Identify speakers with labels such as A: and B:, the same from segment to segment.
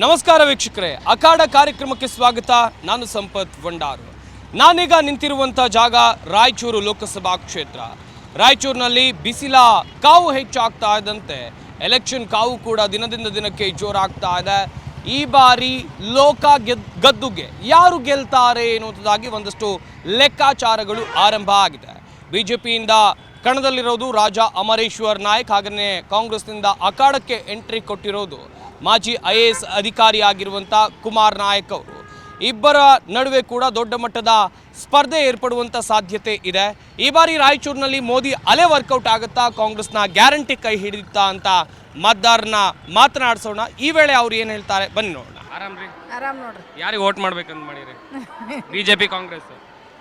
A: ನಮಸ್ಕಾರ ವೀಕ್ಷಕರೇ, ಅಖಾಡ ಕಾರ್ಯಕ್ರಮಕ್ಕೆ ಸ್ವಾಗತ. ನಾನು ಸಂಪತ್ ಭಂಡಾರು. ನಾನೀಗ ನಿಂತಿರುವಂಥ ಜಾಗ ರಾಯಚೂರು ಲೋಕಸಭಾ ಕ್ಷೇತ್ರ. ರಾಯಚೂರಿನಲ್ಲಿ ಬಿಸಿಲ ಕಾವು ಹೆಚ್ಚಾಗ್ತಾ ಇದ್ದಂತೆ ಎಲೆಕ್ಷನ್ ಕಾವು ಕೂಡ ದಿನದಿಂದ ದಿನಕ್ಕೆ ಜೋರಾಗ್ತಾ ಇದೆ. ಈ ಬಾರಿ ಗದ್ದುಗೆ ಯಾರು ಗೆಲ್ತಾರೆ ಎನ್ನುವುದಾಗಿ ಒಂದಷ್ಟು ಲೆಕ್ಕಾಚಾರಗಳು ಆರಂಭ ಆಗಿದೆ. ಬಿಜೆಪಿಯಿಂದ ಕಣದಲ್ಲಿರೋದು ರಾಜಾ ಅಮರೇಶ್ವರ್ ನಾಯಕ್, ಹಾಗೆಯೇ ಕಾಂಗ್ರೆಸ್ನಿಂದ ಅಖಾಡಕ್ಕೆ ಎಂಟ್ರಿ ಕೊಟ್ಟಿರೋದು ಮಾಜಿ IAS ಅಧಿಕಾರಿಯಾಗಿರುವಂಥ ಕುಮಾರ್ ನಾಯಕ್ ಅವರು. ಇಬ್ಬರ ನಡುವೆ ಕೂಡ ದೊಡ್ಡ ಮಟ್ಟದ ಸ್ಪರ್ಧೆ ಏರ್ಪಡುವಂಥ ಸಾಧ್ಯತೆ ಇದೆ. ಈ ಬಾರಿ ರಾಯಚೂರಿನಲ್ಲಿ ಮೋದಿ ಅಲೆ ವರ್ಕೌಟ್ ಆಗುತ್ತಾ, ಕಾಂಗ್ರೆಸ್ನ ಗ್ಯಾರಂಟಿ ಕೈ ಹಿಡಿಯುತ್ತಾ ಅಂತ ಮತದಾರನ ಮಾತನಾಡಿಸೋಣ. ಈ ವೇಳೆ ಅವ್ರು ಏನು ಹೇಳ್ತಾರೆ ಬನ್ನಿ ನೋಡೋಣ. ಆರಾಮ್ರಿ? ಆರಾಮ್ ನೋಡ್ರಿ. ಯಾರಿಗೆ ವೋಟ್ ಮಾಡ್ಬೇಕಂತ ಮಾಡಿರಿ? ಬಿಜೆಪಿ ಕಾಂಗ್ರೆಸ್?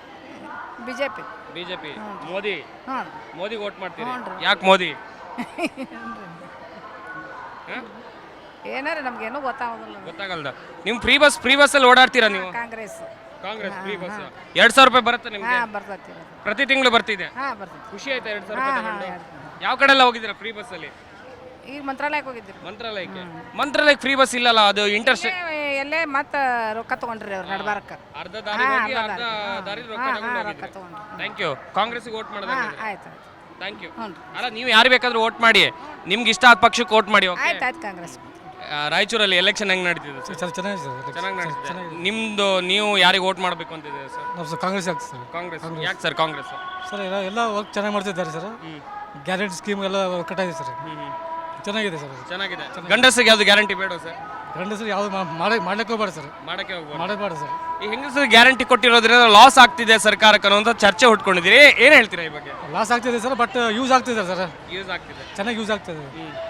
A: ಬಿಜೆಪಿ. ಮೋದಿಗೆ ವೋಟ್ ಮಾಡ್ತೀರಿ? ಯಾಕೆ ಮೋದಿ?
B: ಏನಾರ ನಮ್ಗೇನು
A: ಗೊತ್ತಾಗಲ್ದ. ನಿಮ್ ಫ್ರೀ ಬಸ್ ಅಲ್ಲಿ ಓಡಾಡ್ತೀರಾ ನೀವು? ಕಾಂಗ್ರೆಸ್ ಫ್ರೀ ಬಸ್ 2000 ರೂಪಾಯಿ ಬರುತ್ತೆ ನಿಮ್ಗೆ? ಪ್ರತಿ ತಿಂಗಳು ಬರ್ತಿದೆ. ಖುಷಿ ಆಯ್ತಾ 2000 ರೂಪಾಯಿ ತಗೊಂಡು? ಯಾವ ಕಡೆ ಎಲ್ಲ ಹೋಗಿದ್ದೀರಾ ಫ್ರೀ ಬಸ್ ಅಲ್ಲಿ?
B: ಈಗ ಮಂತ್ರಾಲಯಕ್ಕೆ ಹೋಗಿದ್ದೀರಿ.
A: ಮಂತ್ರಾಲಯಕ್ಕೆ ಫ್ರೀ ಬಸ್ ಇಲ್ಲಲ್ಲ, ಅದು ಇಂಟರ್ಸ್ಟೇಟ್
B: ಎಲ್ಲೇ ಮತ್ತ ರೊಕ್ಕ ತಗೊಂಡ್ರಿ ಅವ್ರು ನಡ್ಬಾರಕ.
A: ಅರ್ಧ ದಾರಿ ಹೋಗಿ ಅರ್ಧ ದಾರಿ ರೊಕ್ಕ ತಗೊಂಡು. Thank you. ಕಾಂಗ್ರೆಸ್ಗೆ ವೋಟ್ ಮಾಡೋದು?
B: ಆಯ್ತು.
A: Thank you. ಅಲ್ಲ, ನೀವು ಯಾರು ಬೇಕಾದ್ರೂ ವೋಟ್ ಮಾಡಿ, ನಿಮ್ಗೆ ಇಷ್ಟ ಆದ ಪಕ್ಷಕ್ಕೆ ವೋಟ್ ಮಾಡಿ.
B: ಆಯ್ತು. ಕಾಂಗ್ರೆಸ್.
A: ರಾಯಚೂರಲ್ಲಿ ಎಲೆಕ್ಷನ್ ಹೆಂಗ್ ನಡೀತಿದೆ ಸರ್? ಚೆನ್ನಾಗಿ ನಡೀತಿದೆ. ನಿಮ್ದು ನೀವು ಯಾರಿಗೆ ವೋಟ್ ಮಾಡಬೇಕು ಅಂತಿದೆ ಸರ್?
C: ನಾವು ಕಾಂಗ್ರೆಸ್ ಆಗ್ತದೆ ಸರ್.
A: ಕಾಂಗ್ರೆಸ್. ಯಾಕೆ ಸರ್ ಕಾಂಗ್ರೆಸ್?
C: ಸರ್ ಎಲ್ಲ ವರ್ಕ್ ಚೆನ್ನಾಗಿ ಮಾಡ್ತಿದ್ದಾರೆ ಸರ್. ಗ್ಯಾರಂಟಿ ಸ್ಕೀಮ್ ಎಲ್ಲ ಕಟ್ಟಾಗಿದೆ ಸರ್. ಚೆನ್ನಾಗಿದೆ ಸರ್. ಚೆನ್ನಾಗಿದೆ.
A: ಗಂಡಸರಿಗೆ ಯಾವ್ದು ಗ್ಯಾರಂಟಿ ಬೇಡ ಸರ್?
C: ಗಂಡಸರು ಯಾವ್ದು ಮಾಡ್ಲಿಕ್ಕೆ ಹೋಗ್ಬೇಡ ಸರ್. ಮಾಡಬೇಡ ಸರ್.
A: ಈ ಹೆಂಗಸರು ಗ್ಯಾರಂಟಿ ಕೊಟ್ಟಿರೋದ್ರಿಂದ ಲಾಸ್ ಆಗ್ತಿದೆ ಸರ್ಕಾರಕ್ಕೆ ಅನ್ನೋಂಥ ಚರ್ಚೆ ಹುಟ್ಕೊಂಡಿದ್ದೀರಿ. ಏನು ಹೇಳ್ತೀರಾ ಈ ಬಗ್ಗೆ?
C: ಲಾಸ್ ಆಗ್ತಿದೆ ಸರ್, ಬಟ್ ಯೂಸ್ ಆಗ್ತಿದೆ ಸರ್.
A: ಯೂಸ್ ಆಗ್ತಿದೆ,
C: ಚೆನ್ನಾಗಿ ಯೂಸ್ ಆಗ್ತಿದೆ.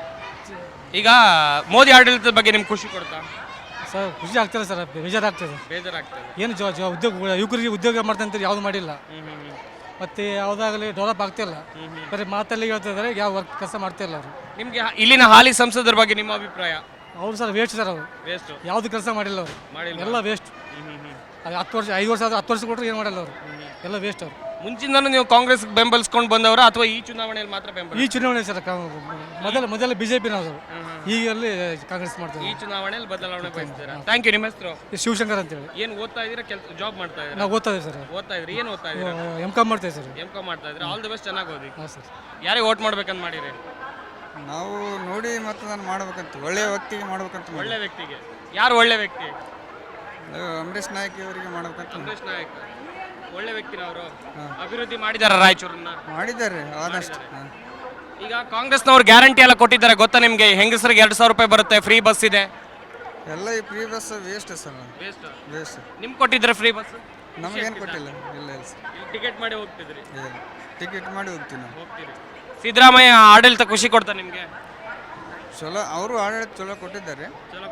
A: ಈಗ ಮೋದಿ ಆಡಳಿತದ ಬಗ್ಗೆ ನಿಮ್ಗೆ ಖುಷಿ ಕೊಡ್ತಾ
C: ಸರ್? ಖುಷಿ ಆಗ್ತದೆ ಸರ್, ಬೇಜಾರಾಗ್ತದೆ. ಏನು ಉದ್ಯೋಗ ಯುವಕರಿಗೆ ಉದ್ಯೋಗ ಮಾಡ್ತಂತ ಯಾವ್ದು ಮಾಡಿಲ್ಲ, ಮತ್ತೆ ಯಾವುದಾಗಲಿ ಡೆವಲಪ್ ಆಗ್ತಿಲ್ಲ. ಬರೀ ಮಾತಲ್ಲಿ ಹೇಳ್ತಿದ್ದಾರೆ, ಯಾವ ವರ್ಕ್ ಕೆಲಸ ಮಾಡ್ತಿಲ್ಲ ಅವರು.
A: ನಿಮಗೆ ಇಲ್ಲಿನ ಹಾಲಿ ಸಂಸದರ ಬಗ್ಗೆ ನಿಮ್ಮ ಅಭಿಪ್ರಾಯ?
C: ಅವ್ರು ಸರ್ ವೇಸ್ಟ್ ಸರ್. ಅವರು ಯಾವ್ದು ಕೆಲಸ ಮಾಡಿಲ್ಲ ಅವರು, ಎಲ್ಲ ವೇಸ್ಟ್. 10 ವರ್ಷ 5 ವರ್ಷ ಆದ್ರೆ 10 ವರ್ಷ ಕೊಟ್ಟರೆ ಏನು ಮಾಡಲ್ಲ ಅವರು, ಎಲ್ಲ ವೇಸ್ಟ್ ಅವರು.
A: ಮುಂಚಿಂದನೂ ನೀವು ಕಾಂಗ್ರೆಸ್ ಬೆಂಬಲಿಸ್ಕೊಂಡು ಬಂದವರ ಅಥವಾ ಈ ಚುನಾವಣೆಯಲ್ಲಿ ಮಾತ್ರ ಬೆಂಬಲ?
C: ಈ ಚುನಾವಣೆ ಸರ್ ಮೊದಲ ಬಿಜೆಪಿ ನಾವು, ಈಗ ಅಲ್ಲಿ ಕಾಂಗ್ರೆಸ್ ಮಾಡ್ತೀವಿ.
A: ಈ ಚುನಾವಣೆಯಲ್ಲಿ ಬದಲಾವಣೆ ಬಯಸ್ತೀರಾ? Thank you. ನಿಮ್ಮ ಹೆಸರು?
C: ಶಿವಶಂಕರ್ ಅಂತ ಹೇಳಿ.
A: ಏನು ಓದ್ತಾ ಇದ್ದೀರಾ? ಜಾಬ್ ಮಾಡ್ತಾ ಇದ್ದೀರಾ?
C: ನಾವು ಓದ್ತಾ ಇದ್ದೀವಿ ಸರ್.
A: ಓದ್ತಾ ಇದ್ರಿ? ಏನು ಓದ್ತಾ ಇದ್ದೀರಾ?
C: M.Com ಮಾಡ್ತಾ ಇದ್ದೀವಿ ಸರ್.
A: M.Com ಮಾಡ್ತಾ ಇದ್ದೀರಾ? ಆಲ್ ದಿ ಬೆಸ್ಟ್, ಚೆನ್ನಾಗಿ ಓದಿ. ಹಾಂ ಸರ್. ಯಾರಿಗೆ ವೋಟ್ ಮಾಡ್ಬೇಕಂತ ಮಾಡಿರಿ?
D: ನಾವು ನೋಡಿ ಮತದಾನ ಮಾಡ್ಬೇಕಂತ, ಒಳ್ಳೆಯ ವ್ಯಕ್ತಿಗೆ ಮಾಡ್ಬೇಕಂತ.
A: ಒಳ್ಳೆ ವ್ಯಕ್ತಿಗೆ? ಯಾರು ಒಳ್ಳೆ ವ್ಯಕ್ತಿ?
D: ಅಂಬರೀಶ್ ನಾಯಕ್ ಅವರಿಗೆ ಮಾಡ್ಬೇಕಂತ.
A: ಅಂಬರೀಶ್ ನಾಯಕ್ ಒಳ್ಳೆ ವ್ಯಕ್ತಿನ ಅವರು? ಅಭಿವೃದ್ಧಿ ಮಾಡಿದಾರ ರಾಯಚೂರನ್ನ?
D: ಮಾಡಿದ್ದಾರೆ ಆದಷ್ಟು.
A: ಈಗ ಕಾಂಗ್ರೆಸ್ನವ್ರು ಗ್ಯಾರಂಟಿ ಎಲ್ಲ ಕೊಟ್ಟಿದ್ದಾರೆ ಗೊತ್ತಾ ನಿಮಗೆ? ಹೆಂಗಸರಿಗೆ 2000 ರೂಪಾಯಿ ಬರುತ್ತೆ, ಫ್ರೀ ಬಸ್ ಇದೆ.
D: ಎಲ್ಲ ಈ free bus waste sir. Waste.
A: ನಿಮ್ಗೆ ಕೊಟ್ಟಿದ್ರೆ ಫ್ರೀ ಬಸ್?
D: ನಮಗೇನು ಕೊಟ್ಟಿಲ್ಲ. ಇಲ್ಲ ಸರ್.
A: ಟಿಕೆಟ್ ಮಾಡಿ ಹೋಗ್ತಿದ್ರಿ?
D: ಟಿಕೆಟ್ ಮಾಡಿ ಹೋಗ್ತೀನಿ.
A: ಹೋಗ್ತೀರಿ. ಸಿದ್ದರಾಮಯ್ಯ ಆಡಳಿತ ಖುಷಿ ಕೊಡ್ತಾ ನಿಮಗೆ?
D: ಚಲೋ, ಅವರು ಆಡಳಿತ ಚಲೋ ಕೊಟ್ಟಿದ್ದಾರೆ.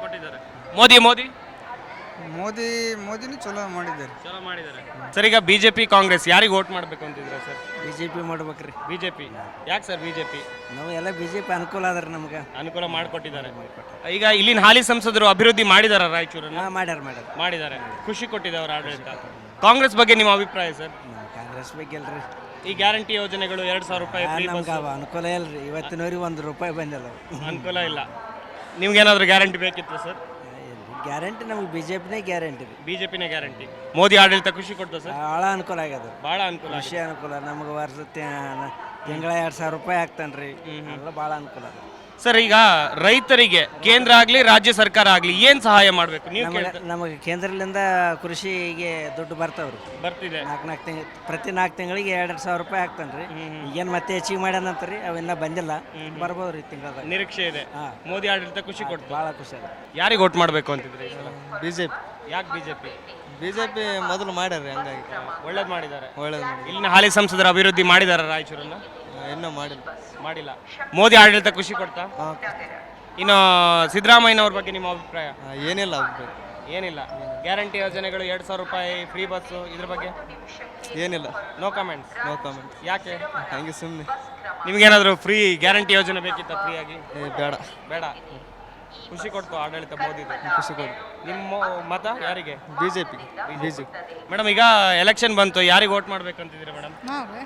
D: ಮೋದಿನೂ ಚಲೋ ಮಾಡಿದ್ದಾರೆ.
A: ಸರ್, ಈಗ ಬಿಜೆಪಿ ಕಾಂಗ್ರೆಸ್ ಯಾರಿಗೆ ವೋಟ್ ಮಾಡ್ಬೇಕು ಅಂತಿದ್ರೆ ಸರ್?
E: ಬಿಜೆಪಿ ಮಾಡ್ಬೇಕ್ರಿ.
A: ಬಿಜೆಪಿ ಯಾಕೆ ಸರ್? ಬಿಜೆಪಿ
E: ನಾವು ಎಲ್ಲ ಬಿಜೆಪಿ ಅನುಕೂಲ ಆದ್ರೆ ನಮ್ಗೆ
A: ಅನುಕೂಲ ಮಾಡಿಕೊಟ್ಟಿದ್ದಾರೆ. ಈಗ ಇಲ್ಲಿನ ಹಾಲಿ ಸಂಸದರು ಅಭಿವೃದ್ಧಿ ಮಾಡಿದಾರ ರಾಯಚೂರನ್ನ? ಮಾಡಿದ್ದಾರೆ. ಖುಷಿ ಕೊಟ್ಟಿದೆ ಅವರ ಆಡಳಿತ. ಕಾಂಗ್ರೆಸ್ ಬಗ್ಗೆ ನಿಮ್ಮ ಅಭಿಪ್ರಾಯ ಸರ್?
E: ಕಾಂಗ್ರೆಸ್ ಬಗ್ಗೆ ಅಲ್ರಿ.
A: ಈ ಗ್ಯಾರಂಟಿ ಯೋಜನೆಗಳು 2000 ರೂಪಾಯಿ
E: ಅನುಕೂಲ ಇಲ್ರಿ. ಇವತ್ತಿನವರೆಗೆ ₹1 ಬಂದಿಲ್ಲ.
A: ಅನುಕೂಲ ಇಲ್ಲ. ನಿಮ್ಗೇನಾದ್ರೂ ಗ್ಯಾರಂಟಿ ಬೇಕಿತ್ತು ಸರ್?
E: ಗ್ಯಾರಂಟಿ ನಮ್ಗೆ ಬಿಜೆಪಿನೇ
A: ಗ್ಯಾರಂಟಿ. ಮೋದಿ ಆಡಳಿತ ಖುಷಿ ಕೊಡ್ತಾ ಸರ್?
E: ಭಾಳ ಅನುಕೂಲ ಆಗ್ಯದ.
A: ಭಾಳ ಅನುಕೂಲ.
E: ಖುಷಿ ಅನುಕೂಲ. ನಮ್ಗೆ ವರ್ಷ ತಿಂಗಳ 2000 ರೂಪಾಯಿ ಆಗ್ತಾನ್ರಿ. ಎಲ್ಲ ಭಾಳ ಅನುಕೂಲ ಅದ
A: ಸರ್. ಈಗ ರೈತರಿಗೆ ಕೇಂದ್ರ ಆಗ್ಲಿ ರಾಜ್ಯ ಸರ್ಕಾರ ಆಗ್ಲಿ ಏನ್ ಸಹಾಯ ಮಾಡ್ಬೇಕು?
E: ನಮಗೆ ಕೇಂದ್ರದಿಂದ ಕೃಷಿಗೆ ದುಡ್ಡು ಬರ್ತಾವ್ರಿ.
A: ಬರ್ತಿದೆ.
E: ಪ್ರತಿ 4 ತಿಂಗಳಿಗೆ 2,000 ರೂಪಾಯಿ ಆಗ್ತಾನ್ರಿ. ಈಗೇನು ಮತ್ತೆ ಹೆಚ್ಚಿಗೆ ಮಾಡ್ಯಾನಂತ್ರಿ, ಅವಿನ್ನ ಬಂದಿಲ್ಲ. ಬರ್ಬೋದ್ರಿ ತಿಂಗಳ
A: ನಿರೀಕ್ಷೆ ಇದೆ. ಮೋದಿ ಆಡಳಿತ ಖುಷಿ ಕೊಟ್ಟು
E: ಭಾಳ ಖುಷಿ ಅದ.
A: ಯಾರಿಗೆ ವೋಟ್ ಮಾಡ್ಬೇಕು ಅಂತಿದ್ರಿ?
D: ಬಿಜೆಪಿ.
A: ಯಾಕೆ ಬಿಜೆಪಿ
D: ಮೊದಲು ಮಾಡ್ಯಾರ, ಹಂಗಾಗಿ
A: ಒಳ್ಳೇದು ಮಾಡಿದ್ದಾರೆ.
D: ಇಲ್ಲಿನ
A: ಹಾಲಿ ಸಂಸದರ ಅಭಿವೃದ್ಧಿ ಮಾಡಿದಾರ ರಾಯಚೂರನ್ನ?
D: ಇನ್ನೂ
A: ಮಾಡಿಲ್ಲ. ಮೋದಿ ಆಡಳಿತ ಖುಷಿ ಕೊಡ್ತಾ? ಇನ್ನು ಸಿದ್ದರಾಮಯ್ಯನವ್ರ ಬಗ್ಗೆ ನಿಮ್ಮ ಅಭಿಪ್ರಾಯ? ಏನಿಲ್ಲ. ಗ್ಯಾರಂಟಿ ಯೋಜನೆಗಳು 2000 ರೂಪಾಯಿ, ಫ್ರೀ ಬಸ್, ಇದ್ರ ಬಗ್ಗೆ
D: ಏನಿಲ್ಲ.
A: No comments. ಯಾಕೆ?
D: ಹಂಗೆ ಸುಮ್ಮನೆ.
A: ನಿಮ್ಗೇನಾದರೂ ಫ್ರೀ ಗ್ಯಾರಂಟಿ ಯೋಜನೆ ಬೇಕಿತ್ತ? ಫ್ರೀ ಆಗಿ? ಬೇಡ. ಖುಷಿ ಕೊಡ್ತು ಆಡಳಿತ ಮೋದಿದು?
D: ಖುಷಿ ಕೊಡ್ತು.
A: ನಿಮ್ಮ ಮತ ಯಾರಿಗೆ?
D: ಬಿಜೆಪಿ.
A: ಮೇಡಮ್, ಈಗ ಎಲೆಕ್ಷನ್ ಬಂತು, ಯಾರಿಗೆ ವೋಟ್ ಮಾಡ್ಬೇಕಂತಿದ್ದೀರಿ ಮೇಡಮ್?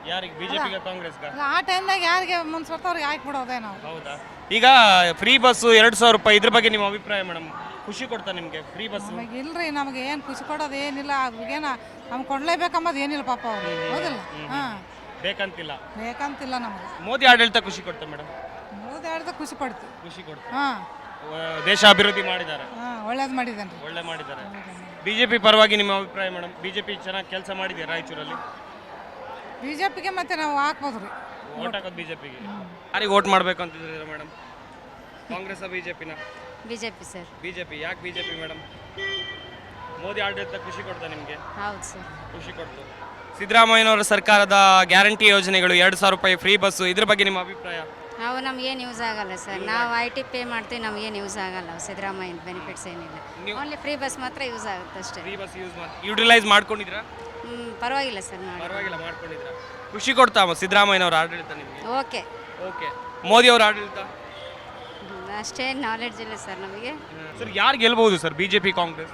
A: ಯಾರಿಗೆ ಬಿಜೆಪಿಗೆ ಕಾಂಗ್ರೆಸ್ಗೆ?
F: ಆ ಟೈಮ್ನಾಗ ಯಾರಿಗೆ ಮನ್ಸು ಬರ್ತಾವ ಅವ್ರಿಗೆ ಹಾಕ್ಬಿಡೋದೇ ನಾವು.
A: ಹೌದಾ? ಈಗ ಫ್ರೀ ಬಸ್ಸು 2,000 ರೂಪಾಯಿ, ಇದ್ರ ಬಗ್ಗೆ ನಿಮ್ಮ ಅಭಿಪ್ರಾಯ ಮೇಡಮ್? ಖುಷಿ ಕೊಡ್ತಾ ನಿಮಗೆ ಫ್ರೀ ಬಸ್?
F: ನಮಗೆ ಇಲ್ರಿ, ನಮಗೆ ಏನು ಖುಷಿ ಕೊಡೋದು ಏನಿಲ್ಲ, ಅವ್ರಿಗೇನ ನಮ್ಗೆ ಕೊಡ್ಲೇಬೇಕಂಬದು ಏನಿಲ್ಲ ಪಾಪ ಅವ್ರು, ಹೌದಿಲ್ಲ? ಹಾಂ,
A: ಬೇಕಂತಿಲ್ಲ,
F: ಬೇಕಂತಿಲ್ಲ ನಮಗೆ.
A: ಮೋದಿ ಆಡಳಿತ ಖುಷಿ ಕೊಡ್ತಾ ಮೇಡಮ್?
F: ಮೋದಿ ಆಡಿದ ಖುಷಿ ಪಡ್ತೀವಿ.
A: ಖುಷಿ ಕೊಡ್ತಾ.
F: ಹಾಂ
A: ದೇಶ ಅಭಿವೃದ್ಧಿ ಮಾಡಿದ್ದಾರೆ,
F: ಹಾಂ, ಒಳ್ಳೇದು ಮಾಡಿದ್ದೇನೆ ರೀ.
A: ಒಳ್ಳೆ ಮಾಡಿದ್ದಾರೆ. ಬಿಜೆಪಿ ಪರವಾಗಿ ನಿಮ್ಮ ಅಭಿಪ್ರಾಯ ಮೇಡಮ್? ಬಿಜೆಪಿ ಚೆನ್ನಾಗಿ ಕೆಲಸ ಮಾಡಿದೆ ರಾಯಚೂರಲ್ಲಿ?
F: ಬಿ ಜೆ ಪಿಗೆ ಮತ್ತೆ ನಾವು ಹಾಕ್ಬೋದು ರೀ.
A: ಓಟ್ ಹಾಕೋದು ಬಿಜೆಪಿಗೆ. ಯಾರಿಗೆ ಓಟ್ ಮಾಡಬೇಕು ಅಂತಿದ್ದೀರಾ ಮೇಡಮ್? ಕಾಂಗ್ರೆಸ್ ಬಿಜೆಪಿನ?
G: BJP sir.
A: ಬಿಜೆಪಿ. ಯಾಕೆ ಬಿಜೆಪಿ ಮೇಡಮ್? ಮೋದಿ ಆಡಳಿತ ಖುಷಿ ಕೊಡ್ತಾ ನಿಮಗೆ?
G: ಹೌದು ಸರ್.
A: ಖುಷಿ ಕೊಡ್ತು. ಸಿದ್ದರಾಮಯ್ಯನವರ ಸರ್ಕಾರದ ಗ್ಯಾರಂಟಿ ಯೋಜನೆಗಳು, 2,000 ರೂಪಾಯಿ ಫ್ರೀ ಬಸ್ಸು, ಇದ್ರ ಬಗ್ಗೆ ನಿಮ್ಮ ಅಭಿಪ್ರಾಯ?
G: ಅವು ನಮಗೇನು ಯೂಸ್ ಆಗಲ್ಲ ಸರ್. ನಾವು IT ಪೇ ಮಾಡ್ತೀವಿ, ನಮಗೇನು ಯೂಸ್ ಆಗಲ್ಲ. ಸಿದ್ದರಾಮಯ್ಯನ ಬೆನಿಫಿಟ್ಸ್ ಏನಿಲ್ಲ, ಓನ್ಲಿ ಫ್ರೀ ಬಸ್ ಮಾತ್ರ ಯೂಸ್ ಆಗುತ್ತೆ ಅಷ್ಟೇ.
A: ಫ್ರೀ ಬಸ್ ಯುಟಿಲೈಸ್ ಮಾಡ್ಕೊಂಡಿದ್ರಾ?
G: ಪರವಾಗಿಲ್ಲ ಸರ್, ಮಾಡಿ.
A: ಪರವಾಗಿಲ್ಲ, ಮಾಡ್ಕೊಂಡಿದ್ರಾ? ಖುಷಿ ಕೊಡ್ತಾ ಸಿದ್ದರಾಮಯ್ಯನವರ ಆಡಳಿತ ನಿಮಗೆ?
G: ಓಕೆ.
A: ಓಕೆ. ಮೋದಿ ಅವರ ಆಡಳಿತ
G: ಅಷ್ಟೇ ನಾಲೆಡ್ಜ್ ಇಲ್ಲ ಸರ್ ನಮಗೆ.
A: ಸರ್ ಯಾರು ಗೆಲ್ಬಹುದು ಸರ್, ಬಿಜೆಪಿ ಕಾಂಗ್ರೆಸ್?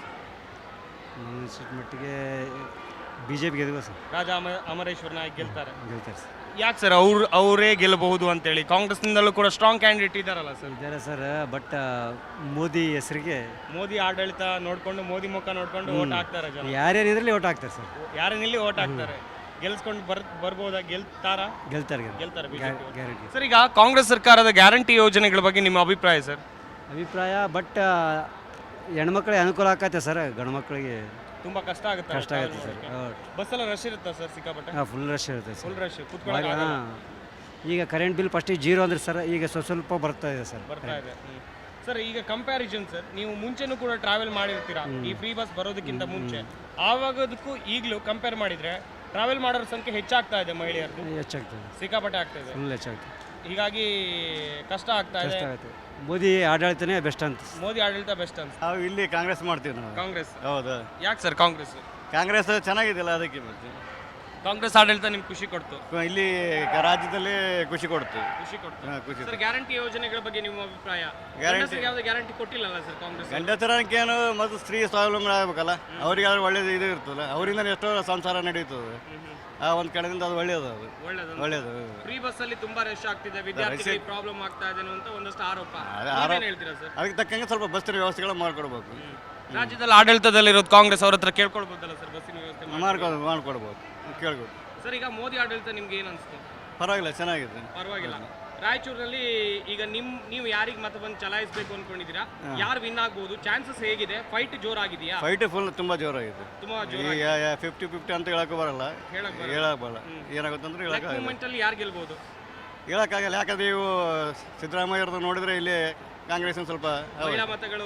H: ಮಟ್ಟಿಗೆ ಬಿಜೆಪಿ ಗೆಲ್ಬೋದು ಸರ್.
A: ರಾಜಾ ಅಮರೇಶ್ವರ ನಾಯಕ್ ಗೆಲ್ತಾರೆ.
H: ಗೆಲ್ತಾರೆ ಸರ್.
A: ಯಾಕೆ ಸರ್ ಅವರೇ ಗೆಲ್ಲಬಹುದು ಅಂತೇಳಿ? ಕಾಂಗ್ರೆಸ್ನಿಂದಲೂ ಕೂಡ ಸ್ಟ್ರಾಂಗ್ ಕ್ಯಾಂಡಿಡೇಟ್ ಇದ್ದಾರಲ್ಲ ಸರ್?
H: ಇದ್ದಾರೆ ಸರ್, ಬಟ್ ಮೋದಿ ಹೆಸರಿಗೆ
A: ಮೋದಿ ಆಡಳಿತ ನೋಡ್ಕೊಂಡು, ಮೋದಿ ಮುಖ ನೋಡ್ಕೊಂಡು ಓಟ್ ಹಾಕ್ತಾರೆ ಜನ.
H: ಯಾರ್ಯಾರು ಇದರಲ್ಲಿ ಓಟ್ ಹಾಕ್ತಾರೆ ಸರ್.
A: ಯಾರನ್ನಿಲ್ಲಿ ಓಟ್ ಹಾಕ್ತಾರೆ, ಗೆಲ್ಸ್ಕೊಂಡು ಬರ್ಬೋದಾ? ಗೆಲ್ತಾರೆ
H: ಗ್ಯಾರಂಟಿ.
A: ಸರ್ ಈಗ ಕಾಂಗ್ರೆಸ್ ಸರ್ಕಾರದ ಗ್ಯಾರಂಟಿ ಯೋಜನೆಗಳ ಬಗ್ಗೆ ನಿಮ್ಮ ಅಭಿಪ್ರಾಯ ಸರ್?
H: ಅಭಿಪ್ರಾಯ, ಬಟ್ ಹೆಣ್ಮಕ್ಳಿಗೆ ಅನುಕೂಲ ಆಕತ್ತೆ ಸರ್, ಗಂಡು ಮಕ್ಕಳಿಗೆ
A: ತುಂಬಾ ಕಷ್ಟ ಆಗುತ್ತೆ
H: ಸರ್.
A: ಬಸ್ಸೆಲ್ಲ ರಶ್ ಇರುತ್ತಾ ಸರ್? ಸಿಕ್ಕಾಪಟ್ಟೆ
H: ಫುಲ್ ರಶ್ ಇರುತ್ತೆ ಸರ್.
A: ಫುಲ್ ರಶ್, ಕೂತ್ಕೊಳ್ಳೋಕೆ
H: ಈಗ ಕರೆಂಟ್ ಬಿಲ್ ಫಸ್ಟಿಗೆ 0 ಅಂದ್ರೆ ಸರ್, ಈಗ ಸ್ವಲ್ಪ ಬರ್ತಾ ಇದೆ ಸರ್.
A: ಬರ್ತಾ ಇದೆ. ಸರ್ ಈಗ ಕಂಪ್ಯಾರಿಸನ್ ಸರ್, ನೀವು ಮುಂಚೆನೂ ಕೂಡ ಟ್ರಾವೆಲ್ ಮಾಡಿರ್ತೀರಾ ಈ ಫ್ರೀ ಬಸ್ ಬರೋದಕ್ಕಿಂತ ಮುಂಚೆ, ಆವಾಗದಕ್ಕೂ ಈಗಲೂ ಕಂಪೇರ್ ಮಾಡಿದ್ರೆ ಟ್ರಾವೆಲ್ ಮಾಡೋರ ಸಂಖ್ಯೆ ಹೆಚ್ಚಾಗ್ತಾ ಇದೆ, ಮಹಿಳೆಯರದು
H: ಹೆಚ್ಚಾಗ್ತದೆ,
A: ಸಿಕ್ಕಾಪಟ್ಟೆ ಆಗ್ತಾ ಇದೆ,
H: ಫುಲ್ ಹೆಚ್ಚಾಗ್ತದೆ.
A: ಹೀಗಾಗಿ ಕಷ್ಟ ಆಗ್ತಾ ಇದೆ.
H: ಮೋದಿ ಆಡಳಿತನೇ ಬೆಸ್ಟ್ ಅಂತ.
A: ಮೋದಿ ಆಡಳಿತ ಬೆಸ್ಟ್ ಅಂತ.
I: ನಾವು ಇಲ್ಲಿ ಕಾಂಗ್ರೆಸ್ ಮಾಡ್ತೀವಿ ನಾವು.
A: ಕಾಂಗ್ರೆಸ್?
I: ಹೌದು.
A: ಯಾಕೆ ಸರ್ ಕಾಂಗ್ರೆಸ್?
I: ಕಾಂಗ್ರೆಸ್ ಚೆನ್ನಾಗಿದೆಯಲ್ಲ, ಅದಕ್ಕೆ ಮತ್ತೆ
A: ಕಾಂಗ್ರೆಸ್ ಆಡಳಿತ ನಿಮ್ಗೆ ಖುಷಿ ಕೊಡ್ತು?
I: ಇಲ್ಲಿ ರಾಜ್ಯದಲ್ಲಿ ಖುಷಿ ಕೊಡ್ತು.
A: ಖುಷಿ ಕೊಡ್ತು.
I: ಖುಷಿ.
A: ಸರ್ ಗ್ಯಾರಂಟಿ ಯೋಜನೆಗಳ ಬಗ್ಗೆ ನಿಮ್ಮ ಅಭಿಪ್ರಾಯ?
I: ಗ್ಯಾರಂಟಿ
A: ಯಾವುದೇ ಗ್ಯಾರಂಟಿ ಕೊಟ್ಟಿಲ್ಲಲ್ಲ ಸರ್ ಕಾಂಗ್ರೆಸ್?
I: ಗಂಡಸರಕ್ಕೇನು ಮತ್ತು ಸ್ತ್ರೀ ಸ್ವಾವಲಂಬನೆ ಆಗಬೇಕಲ್ಲ, ಅವರಿಗಾದ್ರೂ ಒಳ್ಳೇದು ಇದು ಇರ್ತಲ್ಲ, ಅವರಿಂದ ಎಷ್ಟೋ ಸಂಸಾರ ನಡೀತದೆ. ಆ ಒಂದು ಕಡೆಯಿಂದ ಅದು ಒಳ್ಳೆಯದು, ಅದು ಒಳ್ಳೆಯದು.
A: ಫ್ರೀ ಬಸ್ ಅಲ್ಲಿ ತುಂಬಾ ರಶ್ ಆಗ್ತಿದೆ, ವಿದ್ಯಾರ್ಥಿಗಳಿಗೆ ಪ್ರಾಬ್ಲಮ್ ಆಗ್ತಾ ಇದೆ ಅಂತ ಒಂದಷ್ಟು ಆರೋಪ. ಏನ್ ಹೇಳ್ತೀರಾ ಸರ್?
I: ಅದಕ್ಕೆ ತಕ್ಕಂಗೆ ಸ್ವಲ್ಪ ಬಸ್ಸಿನ ವ್ಯವಸ್ಥೆಗಳು ಮಾಡ್ಕೊಡ್ಬೇಕು.
A: ರಾಜ್ಯದಲ್ಲಿ ಆಡಳಿತದಲ್ಲಿರೋದು ಕಾಂಗ್ರೆಸ್, ಅವ್ರ ಹತ್ರ ಕೇಳ್ಕೊಳ್ಬೋದಲ್ಲ ಸರ್ ಬಸ್ಸಿನ ವ್ಯವಸ್ಥೆ
I: ಮಾಡ್ಕೊಡ್ಬೋದು, ಕೇಳ್ಬೋದು.
A: ಸರ್ ಈಗ ಮೋದಿ ಆಡಳಿತ ನಿಮ್ಗೆ ಏನ್ ಅನ್ಸ್ತು?
I: ಪರವಾಗಿಲ್ಲ, ಚೆನ್ನಾಗಿದೆ.
A: ಪರವಾಗಿಲ್ಲ. ರಾಯಚೂರಿನಲ್ಲಿ ಈಗ ನೀವು ಯಾರಿಗೆ ಮತ ಬಂದು ಚಲಾಯಿಸಬೇಕು ಅನ್ಕೊಂಡಿದ್ದೀರಾ? ಯಾರು ವಿನ್ ಆಗ್ಬಹುದು? ಚಾನ್ಸಸ್ ಹೇಗಿದೆ? ಫೈಟ್ ಜೋರಾಗಿದೆಯಾ?
I: ಫೈಟ್ ಫುಲ್ ತುಂಬಾ ಜೋರಾಗಿದೆ.
A: ತುಂಬಾ
I: ಈಗ 50-50 ಅಂತ ಹೇಳಕ್ ಬರಲ್ಲ, ಏನಾಗುತ್ತೆ ಅಂದ್ರೆ
A: ಮೂವ್ಮೆಂಟ್ ಅಲ್ಲಿ ಯಾರು ಗೆಲ್ಬಹುದು
I: ಹೇಳಕ್ಕಾಗಲ್ಲ. ಯಾಕಂದ್ರೆ ಇವು ಸಿದ್ದರಾಮಯ್ಯವ್ರದ್ದು ನೋಡಿದ್ರೆ ಇಲ್ಲಿ ಕಾಂಗ್ರೆಸ್ ಸ್ವಲ್ಪ
A: ಮಹಿಳಾ ಮತಗಳು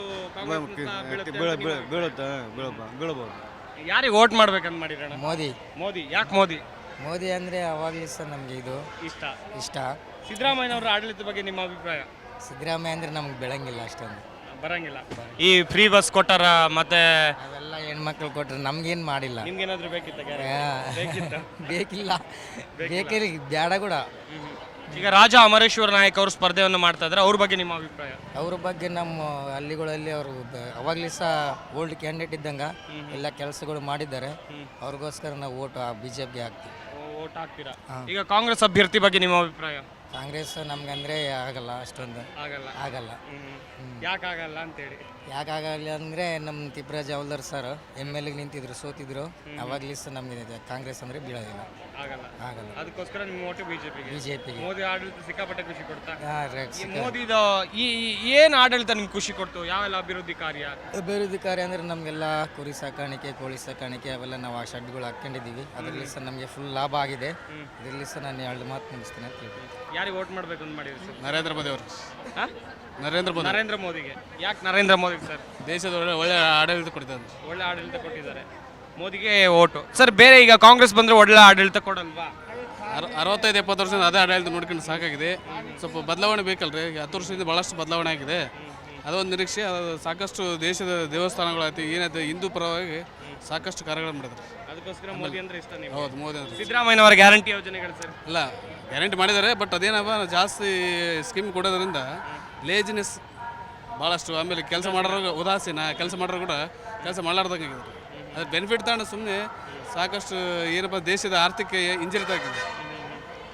I: ಬೀಳಬಹುದು.
A: ಯಾರಿಗೆ ವೋಟ್ ಮಾಡ್ಬೇಕಂತ ಮಾಡಿರೋಣ?
J: ಮೋದಿ.
A: ಮೋದಿ. ಯಾಕೆ ಮೋದಿ?
J: ಮೋದಿ ಅಂದರೆ ಅವಾಗಲೇ ಸರ್ ನಮಗೆ ಇದು ಇಷ್ಟ.
A: ಸಿದ್ದರಾಮಯ್ಯನವರ ಆಡಳಿತ ಬಗ್ಗೆ ನಿಮ್ಮ ಅಭಿಪ್ರಾಯ?
J: ಸಿದ್ದರಾಮಯ್ಯ ಅಂದರೆ ನಮ್ಗೆ ಬೆಳಂಗಿಲ್ಲ, ಅಷ್ಟೊಂದು
A: ಬರಂಗಿಲ್ಲ. ಈ ಫ್ರೀ ಬಸ್ ಕೊಟ್ಟಾರ, ಮತ್ತೆ
J: ಅವೆಲ್ಲ ಹೆಣ್ಮಕ್ಳು ಕೊಟ್ಟರೆ ನಮ್ಗೇನು ಮಾಡಿಲ್ಲ.
A: ನಿಮ್ಗೇನಾದ್ರೂ ಬೇಕಿತ್ತ?
J: ಬೇಕಿಲ್ಲ, ಬೇಕಿಲ್ಲ, ಬೇಡ ಕೂಡ.
A: ಈಗ ರಾಜಾ ಅಮರೇಶ್ವರ ನಾಯಕ್ ಅವರು ಸ್ಪರ್ಧೆಯನ್ನು ಮಾಡ್ತಾ ಇದ್ದಾರೆ, ಅವ್ರ ಬಗ್ಗೆ ನಿಮ್ಮ ಅಭಿಪ್ರಾಯ?
J: ಅವ್ರ ಬಗ್ಗೆ ನಮ್ಮ ಹಳ್ಳಿಗಳಲ್ಲಿ ಅವರು ಅವಾಗಲೇ ಸಹ ಓಲ್ಡ್ ಕ್ಯಾಂಡಿಡೇಟ್ ಇದ್ದಂಗೆ ಎಲ್ಲ ಕೆಲಸಗಳು ಮಾಡಿದ್ದಾರೆ. ಅವ್ರಿಗೋಸ್ಕರ ನಾವು ಓಟ್ BJPಗೆ ಹಾಕ್ತೀವಿ.
A: ಓಟ್ ಹಾಕ್ತೀರಾ? ಈಗ ಕಾಂಗ್ರೆಸ್ ಅಭ್ಯರ್ಥಿ ಬಗ್ಗೆ ನಿಮ್ಮ ಅಭಿಪ್ರಾಯ?
J: ಕಾಂಗ್ರೆಸ್ ನಮ್ಗಂದ್ರೆ ಆಗಲ್ಲ, ಅಷ್ಟೊಂದು ಆಗಲ್ಲ.
A: ಯಾಕಾಗಲ್ಲ ಅಂತೇಳಿ?
J: ಯಾಕಾಗಲ್ಲ ಅಂದರೆ ನಮ್ಮ ತಿಪ್ಪರಾಜ್ ಹವಾಲ್ದಾರ್ ಸರ್ MLA ನಿಂತಿದ್ರು, ಸೋತಿದ್ರು. ಅವಾಗಲೇ ಸಹ ನಮಗೆ ಕಾಂಗ್ರೆಸ್ ಅಂದರೆ ಬೀಳೋದಿಲ್ಲ, ಆಗಲ್ಲ.
A: ಅದಕ್ಕೋಸ್ಕರ ನಿಮ್ಮ ಓಟು ಬಿಜೆಪಿಗೆ.
J: BJPಗೆ.
A: ಮೋದಿ ಆಡಳಿತ ಸಿಕ್ಕಾಪಟ್ಟೆ ಖುಷಿ ಕೊಡ್ತಾ? ಮೋದಿದ ಏನು ಆಡಳಿತ ನಿಮ್ಗೆ ಖುಷಿ ಕೊಡ್ತು? ಯಾವೆಲ್ಲ ಅಭಿವೃದ್ಧಿ ಕಾರ್ಯ
J: ಅಂದರೆ ನಮಗೆಲ್ಲ ಕುರಿ ಸಾಕಾಣಿಕೆ, ಕೋಳಿ ಸಾಕಾಣಿಕೆ ಅವೆಲ್ಲ ನಾವು ಆ ಶೆಡ್ಗಳು ಹಾಕ್ಕೊಂಡಿದ್ದೀವಿ. ಅದರಲ್ಲಿ ಸಹ ನಮಗೆ ಫುಲ್ ಲಾಭ ಆಗಿದೆ. ಇದರಲ್ಲಿ ಸಹ ನಾನು 2 ಮಾತು ಮುಗಿಸ್ತೇನೆ ಅಂತ ಹೇಳ್ತೀನಿ.
A: ಯಾರಿಗೆ ವೋಟ್ ಮಾಡಬೇಕು ಅಂತ ಮಾಡಿದ್ರು ಸರ್?
K: ನರೇಂದ್ರ ಮೋದಿ ಅವರು.
A: ನರೇಂದ್ರ ಮೋದಿಗೆ. ಯಾಕೆ ನರೇಂದ್ರ ಮೋದಿ ಸರ್?
K: ದೇಶದ ಒಳ್ಳೆ ಆಡಳಿತ ಕೊಡ್ತಾರೆ.
A: ಒಳ್ಳೆ ಆಡಳಿತ ಕೊಟ್ಟಿದ್ದಾರೆ, ಮೋದಿಗೆ ಓಟು. ಸರ್ ಬೇರೆ ಈಗ ಕಾಂಗ್ರೆಸ್ ಬಂದರೆ ಒಳ್ಳೆ ಆಡಳಿತ ಕೊಡಲ್ವಾ?
K: 65-70 ವರ್ಷದಿಂದ ಅದೇ ಆಡಳಿತ ನೋಡ್ಕೊಂಡು ಸಾಕಾಗಿದೆ. ಸ್ವಲ್ಪ ಬದಲಾವಣೆ ಬೇಕಲ್ರಿ. 10 ವರ್ಷದಿಂದ ಭಾಳಷ್ಟು ಬದಲಾವಣೆ ಆಗಿದೆ. ಅದೊಂದು ನಿರೀಕ್ಷೆ. ಅದು ಸಾಕಷ್ಟು ದೇಶದ ದೇವಸ್ಥಾನಗಳಾಯ್ತು, ಏನಾಯ್ತು, ಹಿಂದೂ ಪರವಾಗಿ ಸಾಕಷ್ಟು ಕಾರ್ಯಗಳನ್ನು ಮಾಡಿದ್ದಾರೆ.
A: ಅದಕ್ಕೋಸ್ಕರ ಮೋದಿ ಅಂದ್ರೆ ಇಷ್ಟ ನೀವು?
K: ಹೌದು, ಮೋದಿ ಅಂದ್ರೆ.
A: ಸಿದ್ದರಾಮಯ್ಯನವರ ಗ್ಯಾರಂಟಿ ಯೋಜನೆಗಳು ಸರ್?
K: ಇಲ್ಲ, ಗ್ಯಾರಂಟಿ ಮಾಡಿದ್ದಾರೆ, ಬಟ್ ಅದೇನಪ್ಪ ಜಾಸ್ತಿ ಸ್ಕೀಮ್ ಕೊಡೋದ್ರಿಂದ ಲೇಜಿನೆಸ್ ಭಾಳಷ್ಟು. ಆಮೇಲೆ ಕೆಲಸ ಮಾಡೋರು ಉದಾಸೀನ, ಕೆಲಸ ಮಾಡೋರು ಕೂಡ ಕೆಲಸ ಮಾಡಲಾರ್ದಂಗೆ ಅದ್ರ ಬೆನಿಫಿಟ್ ತಗೊಂಡು ಸುಮ್ಮನೆ ಸಾಕಷ್ಟು ಏನಪ್ಪ ದೇಶದ ಆರ್ಥಿಕ ಹಿಂಜರಿತ ಆಗಿದೆ.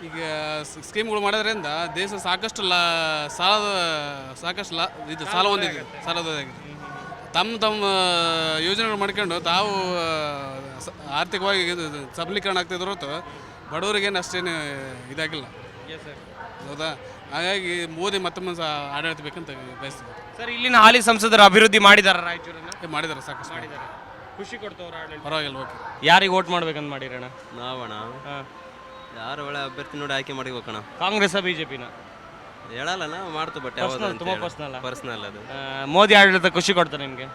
K: ಈಗ ಸ್ಕೀಮ್ಗಳು ಮಾಡೋದ್ರಿಂದ ದೇಶ ಸಾಕಷ್ಟು ಇದು ಸಾಲ ಹೊಂದಿದೆ, ಸಾಲದಾಗಿದೆ. ತಮ್ಮ ಯೋಜನೆಗಳು ಮಾಡ್ಕೊಂಡು ತಾವು ಆರ್ಥಿಕವಾಗಿ ಸಬಲೀಕರಣ ಆಗ್ತಿದ್ರು ಹೊರತು ಬಡವರಿಗೇನು ಅಷ್ಟೇನು ಇದಾಗಿಲ್ಲ. ಹೌದಾ? ಹಾಗಾಗಿ ಮೋದಿ ಮತ್ತೊಮ್ಮೆ ಆಡಳಿತ ಬೇಕಂತ ಬಯಸ್ತೀವಿ.
A: ಸರ್, ಇಲ್ಲಿನ ಹಾಲಿ ಸಂಸದರು ಅಭಿವೃದ್ಧಿ ಮಾಡಿದಾರ ರಾಯಚೂರನ್ನ?
K: ಮಾಡಿದ್ದಾರೆ, ಸಾಕಷ್ಟು
A: ಮಾಡಿದ್ದಾರೆ. ಖುಷಿ ಕೊಡ್ತವ್ರ ಆಡಳಿತ?
K: ಪರವಾಗಿಲ್ಲ, ಓಕೆ.
A: ಯಾರಿಗೆ ವೋಟ್ ಮಾಡ್ಬೇಕಂತ ಮಾಡಿರಣ್ಣ?
L: ನಾವಣ್ಣ ಯಾರು ಒಳ್ಳೆ ಅಭ್ಯರ್ಥಿ ನೋಡಿ ಆಯ್ಕೆ ಮಾಡಿಬೇಕಣ್ಣ.
A: ಕಾಂಗ್ರೆಸ್ ಬಿಜೆಪಿನ
L: ಹೇಳಲ್ಲ ನಾವು ಮಾಡ್ತು, ಬಟ್
A: ತುಂಬಾ ಪರ್ಸನಲ್
L: ಅದು.
A: ಮೋದಿ ಆಡಳಿತ ಖುಷಿ ಕೊಡ್ತಾರೆ ನಿಮಗೆ?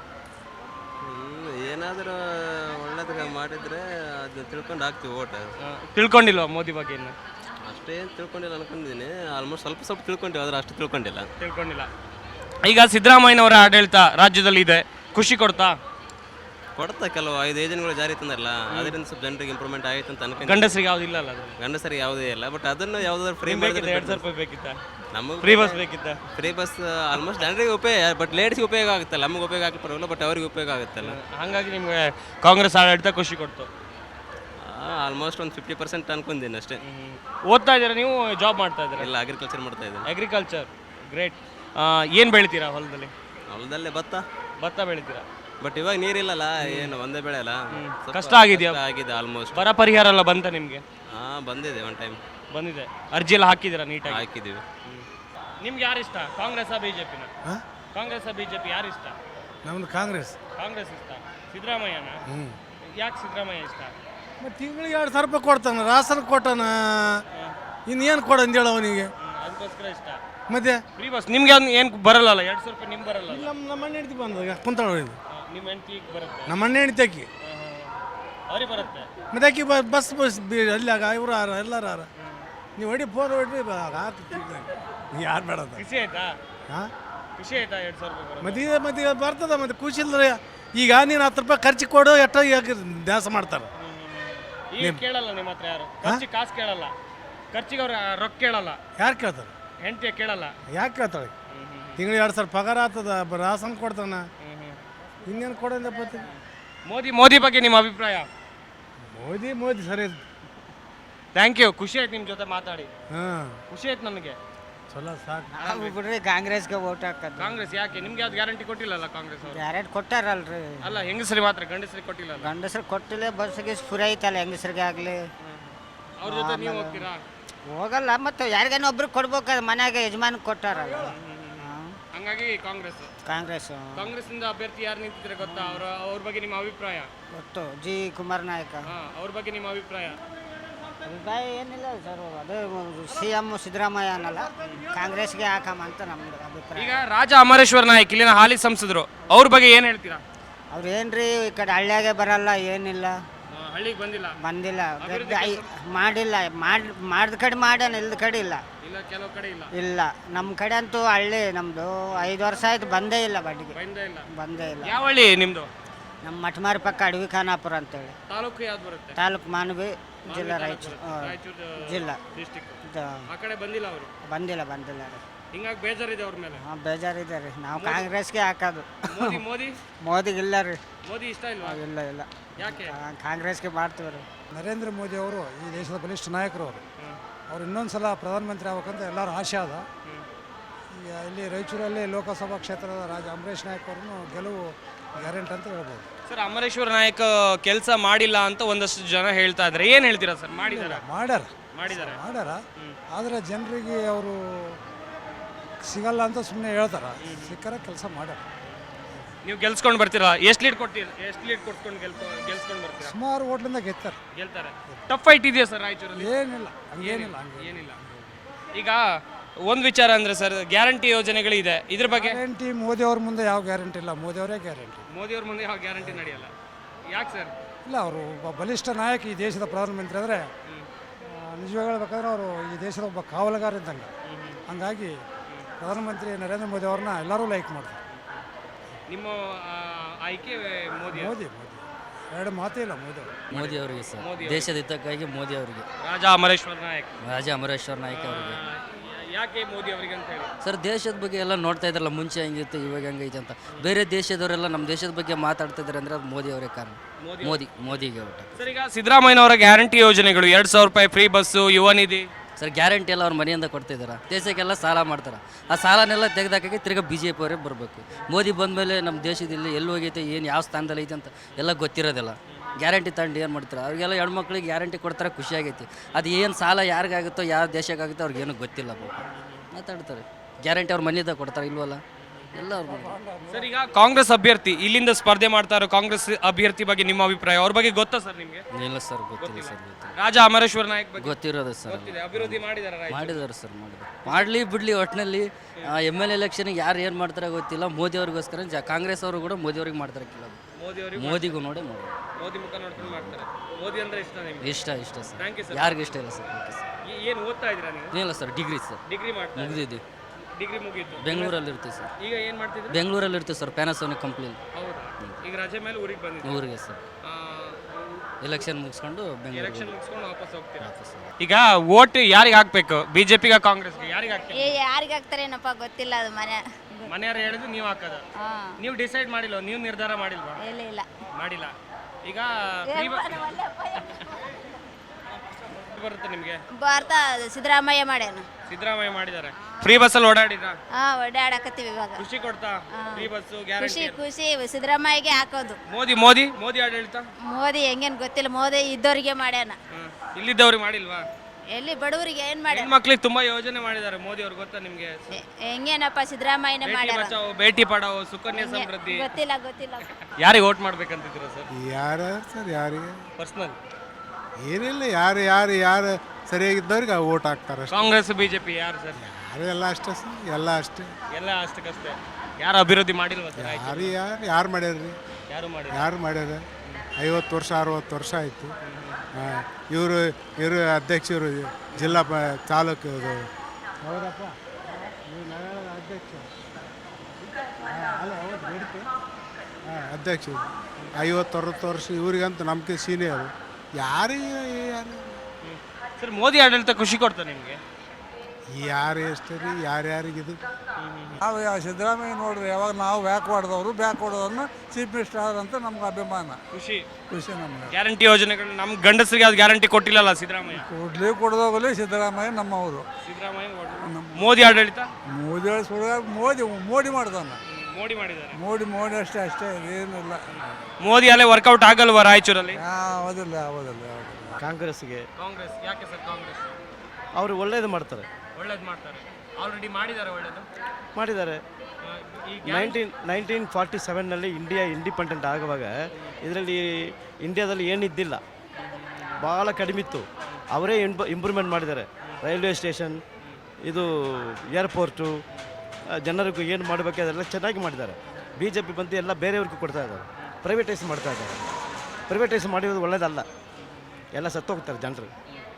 L: ಏನಾದರೂ ಒಳ್ಳೇದು ಮಾಡಿದ್ರೆ ಅದನ್ನ ತಿಳ್ಕೊಂಡು ಹಾಕ್ತೀವಿ ಓಟ್.
A: ತಿಳ್ಕೊಂಡಿಲ್ವಾ ಮೋದಿ ಬಗ್ಗೆ? ಇನ್ನು
L: ಅಷ್ಟೇನು ತಿಳ್ಕೊಂಡಿಲ್ಲ ಅನ್ಕೊಂಡಿದ್ದೀನಿ. ಆಲ್ಮೋಸ್ಟ್ ಸ್ವಲ್ಪ ತಿಳ್ಕೊಂಡಿವಿ, ಆದ್ರೆ ಅಷ್ಟು ತಿಳ್ಕೊಂಡಿಲ್ಲ.
A: ಈಗ ಸಿದ್ದರಾಮಯ್ಯನವರ ಆಡಳಿತ ರಾಜ್ಯದಲ್ಲಿ ಇದೆ, ಖುಷಿ ಕೊಡ್ತಾ?
L: ಕೊಡ್ತಾ, ಕೆಲವು 5 ಯೋಜನೆಗಳು ಜಾರಿ ತಂದಲ್ಲ, ಅದರಿಂದ ಸ್ವಲ್ಪ ಜನರಿಗೆ ಇಂಪ್ರೂವ್ಮೆಂಟ್ ಆಯ್ತು ಅಂತ ಅನ್ಕೊಂಡು.
A: ಗಂಡಸರಿಗೆ ಯಾವ್ದು ಇಲ್ಲ ಅಲ್ಲ?
L: ಗಂಡಸರಿಗೆ ಯಾವುದೇ ಇಲ್ಲ, ಬಟ್ ಅದನ್ನು ಯಾವ್ದಾದ್ರು ಫ್ರೀ
A: ಮಾಡಿದ್ರೆ 2000 ರೂಪಾಯಿ ಬೇಕಿತ್ತ?
L: ನಮಗೆ
A: ಫ್ರೀ ಬಸ್ ಬೇಕಿತ್ತ?
L: ಫ್ರೀ ಬಸ್ ಆಲ್ಮೋಸ್ಟ್ ಜನರಿಗೆ ಉಪಯೋಗ, ಬಟ್ ಲೇಡೀಸ್ಗೆ ಉಪಯೋಗ ಆಗುತ್ತಲ್ಲ, ನಮಗೆ ಉಪಯೋಗ ಆಗಲಿ ಪರವಾಗಿಲ್ಲ, ಬಟ್ ಅವ್ರಿಗೆ ಉಪಯೋಗ ಆಗುತ್ತಲ್ಲ.
A: ಹಾಗಾಗಿ ನಿಮಗೆ ಕಾಂಗ್ರೆಸ್ ಆಡಳಿತ ಖುಷಿ ಕೊಡ್ತು?
L: ಆಲ್ಮೋಸ್ಟ್ ಒಂದು 50% ಅನ್ಕೊಂಡಿದ್ದೀನಿ ಅಷ್ಟೇ.
A: ಓದ್ತಾ ಇದ್ದೀರಾ ನೀವು? ಜಾಬ್ ಮಾಡ್ತಾ ಇದ್ದೀರಾ?
L: ಇಲ್ಲ, ಅಗ್ರಿಕಲ್ಚರ್ ಮಾಡ್ತಾ ಇದ್ದೀನಿ.
A: Agriculture, great. ಏನು ಬೆಳಿತೀರಾ ಹೊಲದಲ್ಲಿ?
L: ಹೊಲದಲ್ಲೇ
A: ಭತ್ತ ಬೆಳಿತೀರಾ?
L: ಬಟ್ ಇವಾಗ ನೀರಿಲ್ಲಲ್ಲ, ಏನು ಒಂದೇ ಬೆಳೆ ಅಲ್ಲ,
A: ಕಷ್ಟ ಆಗಿದೆಯಾ?
L: ಆಗಿದೆ ಆಲ್ಮೋಸ್ಟ್.
A: ಬರ ಪರಿಹಾರ ಎಲ್ಲ ಬಂತ ನಿಮಗೆ?
L: ಬಂದಿದೆ, ಒನ್ ಟೈಮ್
A: ಬಂದಿದೆ. ಅರ್ಜಿ ಎಲ್ಲ ಹಾಕಿದ್ದೀರಾ ನೀಟಾಗಿ?
L: ಹಾಕಿದ್ದೀವಿ.
A: ನಿಮ್ಗೆ ಯಾರು ಇಷ್ಟ, ಕಾಂಗ್ರೆಸ್ ಬಿಜೆಪಿನ? ಕಾಂಗ್ರೆಸ್ ಬಿಜೆಪಿ ಯಾರು ಇಷ್ಟ?
C: ನಮ್ದು ಕಾಂಗ್ರೆಸ್.
A: ಕಾಂಗ್ರೆಸ್ ಇಷ್ಟ. ಸಿದ್ದರಾಮಯ್ಯನ? ಯಾಕೆ ಸಿದ್ದರಾಮಯ್ಯ ಇಷ್ಟ?
C: ಮತ್ತು ತಿಂಗಳಿಗೆ 2000 ರೂಪಾಯಿ ಕೊಡ್ತಾನ, ರಾಸನ್ ಕೊಟ್ಟಾನ, ಇನ್ನೇನು ಕೊಡ ಅಂದೇಳ ಅವನಿಗೆ,
A: ಅದಕ್ಕೋಸ್ಕರ ಇಷ್ಟ.
C: ಮತ್ತೆ
A: ಫ್ರೀ ಬಸ್ ನಿಮ್ಗೆ ಏನು ಬರಲ್ಲ? 200 ರೂಪಾಯಿ ನಿಮ್ಗೆ ಬರಲ್ಲ?
C: ನಮ್ಮ ಅಣ್ಣ ಹೆಂಡ್ತಿ ಬಂದಾಗ ಕುಂತಾಳ,
A: ನಿಮ್ಮ ಹೆಂಡತಿ ಬರುತ್ತೆ?
C: ನಮ್ಮ ಅಣ್ಣ ಹೆಂಡ್ತಿ ಅಕ್ಕಿ
A: ಅವ್ರಿಗೆ ಬರುತ್ತೆ.
C: ಮತ್ತೆ ಅಕ್ಕಿ ಬಸ್ ಅಲ್ಲಿ ಇವ್ರು ಎಲ್ಲಾರು ನೀವು ಹೊಡಿ ಫೋನ್ ಹೊಡ್ರಿ ಹಾಕ್ತೀವಿ, ಯಾರು ಬೇಡ.
A: ಖುಷಿ ಆಯ್ತಾ? ಖುಷಿ ಆಯ್ತಾ 2000 ರೂಪಾಯಿ?
C: ಮತ್ತೆ ಬರ್ತದ, ಮತ್ತೆ ಖುಷಿ ಇಲ್ಲರಿ. ಈಗ ನೀನು 10 ರೂಪಾಯಿ ಖರ್ಚು ಕೊಡು, ಎಷ್ಟೋ ದ್ಯಾಸ ಮಾಡ್ತಾರೆ.
A: ಈಗ ಕೇಳಲ್ಲ ನಿಮ್ಮ ಹತ್ರ ಯಾರು? ಖರ್ಚಿಗೆ ಕಾಸು ಕೇಳಲ್ಲ, ಖರ್ಚಿಗೆ ಅವ್ರು ರೊಕ್ಕ ಕೇಳಲ್ಲ.
C: ಯಾರು ಕೇಳ್ತಾರೆ?
A: ಹೆಂಡತಿ ಕೇಳಲ್ಲ.
C: ಯಾಕೆ ಕೇಳ್ತಾಳೆ? ತಿಂಗಳಿಗೆ 2000 ಪಗಾರ ಆಗ್ತದ, ರಾಸನ್ ಕೊಡ್ತಾನ, ಇನ್ನೇನು ಕೊಡೋದಪ್ಪ.
A: ಮೋದಿ ಬಗ್ಗೆ ನಿಮ್ಮ ಅಭಿಪ್ರಾಯ?
C: ಮೋದಿ ಸರಿ.
A: Thank you. ಖುಷಿ ಆಯ್ತು ನಿಮ್ಮ ಜೊತೆ ಮಾತಾಡಿ. ಖುಷಿ ಆಯ್ತು ನನಗೆ.
C: ಚಲೋ ಸಾಕು.
E: ನಾವು ಬಿಡ್ರಿ ಕಾಂಗ್ರೆಸ್ಗೆ ವೋಟ್ ಹಾಕೋದು.
A: ಕಾಂಗ್ರೆಸ್ ಯಾಕೆ? ನಿಮ್ಗೆ ಯಾವ್ದು ಗ್ಯಾರಂಟಿ ಕೊಟ್ಟಿಲ್ಲಲ್ಲ ಕಾಂಗ್ರೆಸ್ ಅವರು?
E: ಗ್ಯಾರಂಟಿ ಕೊಟ್ಟಾರಲ್ರಿ.
A: ಅಲ್ಲ, ಹೆಂಗಸರಿಗೆ ಮಾತ್ರ, ಗಂಡಸರಿಗೆ ಕೊಟ್ಟಿಲ್ಲ.
E: ಗಂಡಸ್ರಿಗೆ ಕೊಟ್ಟಿಲ್ಲ, ಬಸ್ಸಿಗೆ ಫ್ರೀ ಐತಲ್ಲ ಹೆಂಗಸ್ರಿಗೆ ಆಗಲಿ.
A: ಅವ್ರ ಜೊತೆ ನೀವು ಹೋಗ್ತೀರಾ?
E: ಹೋಗಲ್ಲ, ಮತ್ತು ಯಾರಿಗೇನೋ ಒಬ್ರಿಗೆ ಕೊಡ್ಬೇಕು, ಮನ್ಯಾಗ ಯಜಮಾನ್ ಕೊಟ್ಟಾರಲ್ಲ.
A: ಹಂಗಾಗಿ ಕಾಂಗ್ರೆಸ್ ಇಂದ ಅಭ್ಯರ್ಥಿ ಯಾರು ನಿಂತಿದ್ರೆ ಗೊತ್ತಾ? ಅವ್ರ ಬಗ್ಗೆ ನಿಮ್ಮ ಅಭಿಪ್ರಾಯ?
E: ಗೊತ್ತು, ಜಿ ಕುಮಾರ್ ನಾಯಕ.
A: ಅವ್ರ ಬಗ್ಗೆ ನಿಮ್ಮ ಅಭಿಪ್ರಾಯ?
E: ಅಭಿಪ್ರಾಯ ಏನಿಲ್ಲ ಸರ್, ಅದು CM ಸಿದ್ದರಾಮಯ್ಯ ಅನ್ನಲ್ಲ, ಕಾಂಗ್ರೆಸ್ಗೆ ಹಾಕಮ್ಮ ಅಂತ ನಮ್ದು ಅಭಿಪ್ರಾಯ.
A: ಈಗ ರಾಜ ಅಮರೇಶ್ವರ ನಾಯಕ್ ಇಲ್ಲಿನ ಹಾಲಿ ಸಂಸದರು, ಅವ್ರ ಬಗ್ಗೆ ಏನು ಹೇಳ್ತೀರಾ?
E: ಅವ್ರು ಏನ್ರಿ ಈ ಕಡೆ ಹಳ್ಳಿಯಾಗೆ ಬರಲ್ಲ, ಏನಿಲ್ಲ,
A: ಹಳ್ಳಿಗೆ
E: ಬಂದಿಲ್ಲ, ಮಾಡಿಲ್ಲ, ಮಾಡಿದ ಕಡೆ ಮಾಡ್ಯಾನ, ಇಲ್ದ ಕಡೆ ಇಲ್ಲ.
A: ಕೆಲವು ಕಡೆ
E: ಇಲ್ಲ, ನಮ್ಮ ಕಡೆ ಅಂತೂ ಹಳ್ಳಿ ನಮ್ಮದು 5 ವರ್ಷ ಆಯ್ತು ಬಂದೇ ಇಲ್ಲ, ಬಡ್ಡಿಗೆ ಬಂದೇ ಇಲ್ಲ.
A: ಯಾವ ಹಳ್ಳಿ ನಿಮ್ಮದು?
E: ನಮ್ಮ ಮಠಮಾರಿ ಪಕ್ಕ ಅಡವಿ ಖಾನಾಪುರ ಅಂತೇಳಿ.
A: ತಾಲೂಕು ಯಾವ್ದು ಬರುತ್ತೆ?
E: ತಾಲೂಕು ಮಾನವಿ, ಜಿಲ್ಲಾ ರಾಯಚೂರು ಜಿಲ್ಲಾ.
A: ಆ ಕಡೆ ಬಂದಿಲ್ಲ ಅವರು?
E: ಬಂದಿಲ್ಲ ರೀ.
A: ಹಿಂಗಾಗಿ ಬೇಜಾರಿದೆ ಅವ್ರ ಮೇಲೆ?
E: ಬೇಜಾರಿದೆ ರೀ. ನಾವು ಕಾಂಗ್ರೆಸ್ಗೆ ಹಾಕೋದು. ಮೋದಿಗೆ ಇಲ್ಲ ರೀ.
A: ಮೋದಿ ಇಷ್ಟ ಇಲ್ವಾ?
E: ಇಲ್ಲ.
A: ಯಾಕೆ?
E: ಕಾಂಗ್ರೆಸ್ಗೆ ಮಾಡ್ತೀವಿ ರೀ.
C: ನರೇಂದ್ರ ಮೋದಿ ಅವರು ಈ ದೇಶದ ಬಲಿಷ್ಠ ನಾಯಕರು. ಅವ್ರು ಇನ್ನೊಂದು ಸಲ ಪ್ರಧಾನಮಂತ್ರಿ ಆಗ್ಬೇಕಂತ ಎಲ್ಲರೂ ಆಸೆ ಅದ. ಈಗ ಇಲ್ಲಿ ರಾಯಚೂರಲ್ಲಿ ಲೋಕಸಭಾ ಕ್ಷೇತ್ರದ ರಾಜ ಅಮರೇಶ್ ನಾಯಕ್ ಅವ್ರನ್ನು ಗೆಲುವು ಗ್ಯಾರಂಟಿ ಅಂತ ಹೇಳ್ಬೋದು.
A: ಸರ್, ಅಮರೇಶ್ವರ ನಾಯಕ್ ಕೆಲಸ ಮಾಡಿಲ್ಲ ಅಂತ ಒಂದಷ್ಟು ಜನ ಹೇಳ್ತಾ ಇದ್ದಾರೆ, ಏನು ಹೇಳ್ತೀರಾ ಸರ್? ಮಾಡ್ಯಾರ, ಆದರೆ ಜನರಿಗೆ ಅವರು ಸಿಗಲ್ಲ ಅಂತ ಸುಮ್ಮನೆ ಹೇಳ್ತಾರೆ. ಸಿಕ್ಕರ ಕೆಲಸ ಮಾಡ್ಯಾರ. ನೀವು ಗೆಲ್ಸ್ಕೊಂಡು ಬರ್ತೀರಾ? ಎಷ್ಟು ಲೀಡ್ ಕೊಟ್ಕೊಂಡು ಗೆಲ್ಸ್ಕೊಂಡು ಬರ್ತೀರಾ?
C: ಸುಮಾರು ಓಟ್ಲಿಂದ
A: ಗೆಲ್ತಾರೆ. ಟಫ್ ಫೈಟ್ ಇದೆಯಾ ಸರ್ ರಾಯಚೂರಲ್ಲಿ?
C: ಏನಿಲ್ಲ.
A: ಈಗ ಒಂದು ವಿಚಾರ ಅಂದರೆ ಸರ್, ಗ್ಯಾರಂಟಿ ಯೋಜನೆಗಳಿದೆ, ಇದ್ರ ಬಗ್ಗೆ?
C: ಗ್ಯಾರಂಟಿ ಮೋದಿ ಅವ್ರ ಮುಂದೆ ಯಾವ ಗ್ಯಾರಂಟಿ ಇಲ್ಲ, ಮೋದಿ ಅವರೇ ಗ್ಯಾರಂಟಿ.
A: ಮೋದಿ ಅವ್ರ ಮುಂದೆ ಯಾವ ಗ್ಯಾರಂಟಿ ನಡೆಯಲ್ಲ. ಯಾಕೆ ಸರ್?
C: ಇಲ್ಲ, ಅವರು ಒಬ್ಬ ಬಲಿಷ್ಠ ನಾಯಕ, ಈ ದೇಶದ ಪ್ರಧಾನಮಂತ್ರಿ ಆದರೆ ನಿಜವಾಗಿ ಹೇಳ್ಬೇಕಾದ್ರೆ ಅವರು ಈ ದೇಶದ ಒಬ್ಬ ಕಾವಲುಗಾರ ಇದ್ದಂಗೆ. ಹಂಗಾಗಿ ಪ್ರಧಾನಮಂತ್ರಿ ನರೇಂದ್ರ ಮೋದಿ ಅವ್ರನ್ನ ಎಲ್ಲರೂ ಲೈಕ್ ಮಾಡ್ತಾರೆ.
A: ನಿಮ್ಮ ಆಯ್ಕೆ ಮೋದಿ?
C: ಎರಡು ಮಾತೇ ಇಲ್ಲ.
H: ಮೋದಿ ಅವರಿಗೆ ಸರ್, ದೇಶದ ಹಿತಕ್ಕಾಗಿ ಮೋದಿ ಅವರಿಗೆ.
A: ರಾಜ ಅಮರೇಶ್ವರ ನಾಯಕ್
H: ಅವರಿಗೆ.
A: ಯಾಕೆ ಮೋದಿ ಅವರಿಗೆ ಅಂತ ಹೇಳಿ?
H: ಸರ್, ದೇಶದ ಬಗ್ಗೆ ಎಲ್ಲ ನೋಡ್ತಾ ಇದ್ರಲ್ಲ, ಮುಂಚೆ ಹೆಂಗಿತ್ತು ಇವಾಗ ಹೆಂಗೈತೆ ಅಂತ. ಬೇರೆ ದೇಶದವರೆಲ್ಲ ನಮ್ಮ ದೇಶದ ಬಗ್ಗೆ ಮಾತಾಡ್ತಾ ಇದ್ದಾರೆ ಅಂದರೆ ಅದು ಮೋದಿ ಅವರೇ ಕಾರಣ. ಮೋದಿಗೆ ಊಟ.
A: ಸರ್, ಈಗ ಸಿದ್ದರಾಮಯ್ಯನವರ ಗ್ಯಾರಂಟಿ ಯೋಜನೆಗಳು 2000 ರೂಪಾಯಿ ಫ್ರೀ ಬಸ್ಸು, ಯುವ ನಿಧಿ,
H: ಸರ್ ಗ್ಯಾರಂಟಿ ಎಲ್ಲ ಅವ್ರ ಮನೆಯಿಂದ ಕೊಡ್ತಿದ್ದಾರೆ, ದೇಶಕ್ಕೆಲ್ಲ ಸಾಲ ಮಾಡ್ತಾರೆ. ಆ ಸಾಲನೆಲ್ಲ ತೆಗೆದಾಕಿ ತಿರ್ಗಿ BJP ಅವರೇ ಬರಬೇಕು. ಮೋದಿ ಬಂದಮೇಲೆ ನಮ್ಮ ದೇಶದಲ್ಲಿ ಎಲ್ಲಿ ಹೋಗೈತೆ, ಏನು ಯಾವ ಸ್ಥಾನದಲ್ಲಿ ಐತೆ ಅಂತ ಎಲ್ಲ ಗೊತ್ತಿರೋದಿಲ್ಲ. ಗ್ಯಾರಂಟಿ ತಗೊಂಡು ಏನು ಮಾಡ್ತಾರೆ, ಅವ್ರಿಗೆಲ್ಲ ಹೆಣ್ಮಕ್ಳಿಗೆ ಗ್ಯಾರಂಟಿ ಕೊಡ್ತಾರೆ, ಖುಷಿಯಾಗೈತಿ. ಅದು ಏನು ಸಾಲ ಯಾರಿಗಾಗುತ್ತೋ ಯಾವ ದೇಶಕ್ಕಾಗುತ್ತೋ ಅವ್ರಿಗೇನು ಗೊತ್ತಿಲ್ಲ ಪಾಪ ಮಾತಾಡ್ತಾರೆ. ಗ್ಯಾರಂಟಿ ಅವ್ರ ಮನೆಯಿಂದ ಕೊಡ್ತಾರೆ ಇಲ್ವಲ್ಲ, ಎಲ್ಲ ಅವ್ರ
A: ಸರ್ ಈಗ ಕಾಂಗ್ರೆಸ್ ಅಭ್ಯರ್ಥಿ ಇಲ್ಲಿಂದ ಸ್ಪರ್ಧೆ ಮಾಡ್ತಾ ಇರೋ ಕಾಂಗ್ರೆಸ್ ಅಭ್ಯರ್ಥಿ ಬಗ್ಗೆ ನಿಮ್ಮ ಅಭಿಪ್ರಾಯ, ಅವ್ರ ಬಗ್ಗೆ ಗೊತ್ತಾ ಸರ್ ನಿಮಗೆ?
H: ಇಲ್ಲ ಸರ್, ಗೊತ್ತಿಲ್ಲ ಸರ್, ಗೊತ್ತಿಲ್ಲ.
A: ರಾಜಾ ಅಮರೇಶ್ವರ ನಾಯಕ್ ಬಗ್ಗೆ
H: ಗೊತ್ತಿರೋದು ಸರ್,
A: ಗೊತ್ತಿದೆ, ಅಭಿವೃದ್ಧಿ ಮಾಡಿದ್ದಾರೆ.
H: ಮಾಡಿದ್ದಾರೆ ಸರ್, ಮಾಡಿದ್ದಾರೆ. ಮಾಡಲಿ ಬಿಡಲಿ, ಒಟ್ಟಿನಲ್ಲಿ MLA ಎಲೆಕ್ಷನ್ಗೆ ಯಾರು ಏನು ಮಾಡ್ತಾರೆ ಗೊತ್ತಿಲ್ಲ. ಮೋದಿ ಅವ್ರಿಗೋಸ್ಕರ ಕಾಂಗ್ರೆಸ್ ಅವರು ಕೂಡ ಮೋದಿ ಅವ್ರಿಗೆ ಮಾಡ್ತಾರೆ ಕೆಲವು. ಮೋದಿಗೂ ನೋಡಿ ಮಾಡಿ,
A: ಮೋದಿ ಮುಖ ನೋಡ್ಕೊಂಡು ಮಾಡ್ತಾರೆ. ಮೋದಿ ಅಂದ್ರೆ ಇಷ್ಟ ನಿಮಗೆ?
H: ಇಷ್ಟ ಸರ್.
A: Thank you sir.
H: ಯಾರಿಗೂ ಇಷ್ಟ ಇಲ್ಲ ಸರ್.
A: ಏನು ಓದ್ತಾ ಇದ್ದೀರಾ ನೀವು?
H: ಇಲ್ಲ ಸರ್, ಡಿಗ್ರಿ ಸರ್,
A: ಡಿಗ್ರಿ ಮಾಡ್ತಾ
H: ಮುಗಿದಿದ್ದು.
A: ಡಿಗ್ರಿ ಮುಗೀತು.
H: ಬೆಂಗಳೂರಲ್ಲಿ ಇರ್ತೀವಿ ಸರ್.
A: ಈಗ ಏನು ಮಾಡ್ತಿದ್ದೀರಾ?
H: ಬೆಂಗಳೂರಲ್ಲಿ ಇರ್ತೀವಿ ಸರ್, ಪ್ಯಾನಾಸೋನಿಕ್ ಕಂಪ್ನಿ.
A: ಹೌದಾ? ಈಗ ರಜೆ ಮೇಲೆ ಊರಿಗೆ ಬಂದಿದ್ದೀರಾ?
H: ಊರಿಗೆ ಸರ್, ಎಲೆಕ್ಷನ್ ಮುಗಿಸ್ಕೊಂಡು ಬೆಂಗಳೂರು
A: ಎಲೆಕ್ಷನ್ ಮುಗಿಸ್ಕೊಂಡು ವಾಪಸ್ ಹೋಗ್ತೀರಾ?
H: ವಾಪಸ್.
A: ಈಗ ವೋಟ್ ಯಾರಿಗೆ ಹಾಕ್ಬೇಕು? ಬಿಜೆಪಿಗ ಕಾಂಗ್ರೆಸ್ಗೆ ಯಾರಿಗೆ ಹಾಕ್ಬೇಕು?
G: ಯಾರಿಗೆ ಹಾಕ್ತಾರೇನಪ್ಪ ಗೊತ್ತಿಲ್ಲ, ಅದು
A: ಮನೆಯವ್ರು ಹೇಳಿದ್ರು ನೀವು ಹಾಕೋದು? ನೀವು ಡಿಸೈಡ್ ಮಾಡಿಲ್ಲ, ನೀವು ನಿರ್ಧಾರ ಮಾಡಿಲ್ವಾ?
G: ಇಲ್ಲ
A: ಮಾಡಿಲ್ಲ. ಈಗ ಬರುತ್ತೆ ನಿಮಗೆ?
G: ಭಾರತ ಸಿದ್ದರಾಮಯ್ಯ ಮಾಡ್ಯಾನ.
A: ಸಿದ್ದರಾಮಯ್ಯ ಮಾಡಿದ್ದಾರೆ. ಫ್ರೀ ಬಸ್ಸಲ್ಲಿ ಓಡಾಡಿದ್ರಾ?
G: ಓಡಾಡಕತ್ತೀವಿ ಇವಾಗ.
A: ಖುಷಿ ಕೊಡ್ತಾ ಫ್ರೀ ಬಸ್ ಗ್ಯಾರಂಟಿ?
G: ಖುಷಿ ಸಿದ್ದರಾಮಯ್ಯಗೆ ಹಾಕೋದು.
A: ಮೋದಿ ಆಡಳಿತ?
G: ಮೋದಿ ಹೆಂಗೇನು ಗೊತ್ತಿಲ್ಲ, ಮೋದಿ ಇದ್ದವ್ರಿಗೆ ಮಾಡ್ಯಾನ.
A: ಇಲ್ಲಿದ್ದವ್ರಿಗೆ ಮಾಡಿಲ್ವಾ?
G: ಎಲ್ಲಿ ಬಡವರಿಗೆ ಏನ್ ಮಾಡ್ಯಾನ?
A: ಮಕ್ಳಿಗೆ ತುಂಬಾ ಯೋಜನೆ ಮಾಡಿದ್ದಾರೆ ಮೋದಿ ಅವ್ರು, ಗೊತ್ತಾ ನಿಮ್ಗೆ?
G: ಹೆಂಗೇನಪ್ಪ ಸಿದ್ದರಾಮಯ್ಯನೇ
A: ಬೇಟಿ
G: ಮಾಡ್ಯಾರ.
A: ಬಚಾವೋ, ಬೇಟಿ ಪಡಾವೋ, ಸುಕನ್ಯಾ ಸಮೃದ್ಧಿ.
G: ಗೊತ್ತಿಲ್ಲ.
A: ಯಾರಿಗೆ ವೋಟ್ ಮಾಡ್ಬೇಕಂತಿದ್ದೀರಾ ಸರ್?
C: ಯಾರ ಸರ್, ಯಾರಿಗೆ
A: ಪರ್ಸನಲ್
C: ಏನಿಲ್ಲ, ಯಾರು ಸರಿಯಾಗಿದ್ದವ್ರಿಗೆ ಓಟ್ ಹಾಕ್ತಾರೆ ಅಷ್ಟೇ.
A: ಕಾಂಗ್ರೆಸ್ ಬಿಜೆಪಿ ಯಾರು ಸರ್?
C: ಎಲ್ಲ ಅಷ್ಟೇ ಸರ್, ಎಲ್ಲ ಅಷ್ಟೇ.
A: ಎಲ್ಲ ಅಷ್ಟಕ್ಕಷ್ಟೇ. ಯಾರು ಅಭಿವೃದ್ಧಿ ಮಾಡಿಲ್ವಾ ಸರ್?
C: ಯಾರು ಮಾಡ್ಯಾರ್ರಿ?
A: ಯಾರು
C: ಮಾಡ್ಯಾರ? 50 ವರ್ಷ 60 ವರ್ಷ ಆಯಿತು. ಇವರು ಅಧ್ಯಕ್ಷರು, ಜಿಲ್ಲಾ ತಾಲೂಕು ಅವರಪ್ಪ ಅಧ್ಯಕ್ಷ ಅಧ್ಯಕ್ಷ 50-60 ವರ್ಷ ಇವ್ರಿಗಂತೂ ನಮ್ಗೆ ಸೀನಿಯರ್. ಯಾರು
A: ಸರ್ ಮೋದಿ ಆಡಳಿತ ಖುಷಿ ಕೊಡ್ತಾ ನಿಮಗೆ?
C: ಯಾರು ಎಷ್ಟು ರೀ, ಯಾರ್ಯಾರಿಗಿದು
D: ನಾವು ಸಿದ್ದರಾಮಯ್ಯ ನೋಡ್ರಿ, ಯಾವಾಗ ನಾವು ಬ್ಯಾಕ್ವರ್ಡವ್ರನ್ನ ಚೀಫ್ ಮಿನಿಸ್ಟರ್ ಅಂತ ನಮ್ಗೆ ಅಭಿಮಾನ,
A: ಖುಷಿ
D: ನಮ್ಗೆ.
A: ಗ್ಯಾರಂಟಿ ಯೋಜನೆಗಳು ನಮ್ಮ ಗಂಡಸರಿಗೆ ಅದು ಗ್ಯಾರಂಟಿ ಕೊಟ್ಟಿಲ್ಲಲ್ಲ ಸಿದ್ದರಾಮಯ್ಯ?
D: ಕೊಡೋದಾಗಲಿ ಸಿದ್ದರಾಮಯ್ಯ ನಮ್ಮವರು.
A: ಸಿದ್ದರಾಮಯ್ಯ. ಮೋದಿ ಆಡಳಿತ?
D: ಮೋದಿ ಮಾಡ್ದಾನ.
A: ಮೋದಿ ಮಾಡಿದ್ದಾರೆ.
D: ಮೋದಿ ಅಷ್ಟೇ ಏನಿಲ್ಲ.
A: ಮೋದಿ ಅಲ್ಲೇ ವರ್ಕೌಟ್ ಆಗಲ್ವಾ ರಾಯಚೂರಲ್ಲಿ?
D: ಹೌದಿಲ್ಲ.
I: ಕಾಂಗ್ರೆಸ್ಗೆ.
A: ಕಾಂಗ್ರೆಸ್ ಯಾಕೆ ಸರ್? ಕಾಂಗ್ರೆಸ್
I: ಅವರು ಒಳ್ಳೇದು ಮಾಡ್ತಾರೆ.
A: ಒಳ್ಳೇದು ಮಾಡ್ತಾರೆ, ಆಲ್ರೆಡಿ ಮಾಡಿದ್ದಾರೆ. ಒಳ್ಳೇದು
I: ಮಾಡಿದ್ದಾರೆ. 1947ನಲ್ಲಿ ಇಂಡಿಯಾ ಇಂಡಿಪೆಂಡೆಂಟ್ ಆಗುವಾಗ ಇದರಲ್ಲಿ ಇಂಡಿಯಾದಲ್ಲಿ ಏನಿದ್ದಿಲ್ಲ, ಭಾಳ ಕಡಿಮೆ ಇತ್ತು. ಅವರೇ ಇಂಪ್ರೂವ್ಮೆಂಟ್ ಮಾಡಿದ್ದಾರೆ. ರೈಲ್ವೆ ಸ್ಟೇಷನ್, ಇದು ಏರ್ಪೋರ್ಟು, ಜನರಿಗೂ ಏನು ಮಾಡಬೇಕು ಅದೆಲ್ಲ ಚೆನ್ನಾಗಿ ಮಾಡಿದ್ದಾರೆ. BJP ಬಂದು ಎಲ್ಲ ಬೇರೆಯವ್ರಿಗೂ ಕೊಡ್ತಾ ಇದ್ದಾರೆ, ಪ್ರೈವೇಟೈಸ್ ಮಾಡ್ತಾ ಇದ್ದಾರೆ. ಪ್ರೈವೇಟೈಸ್ ಮಾಡಿರೋದು ಒಳ್ಳೇದಲ್ಲ, ಎಲ್ಲ ಸತ್ತೋಗ್ತಾರೆ ಜನರು.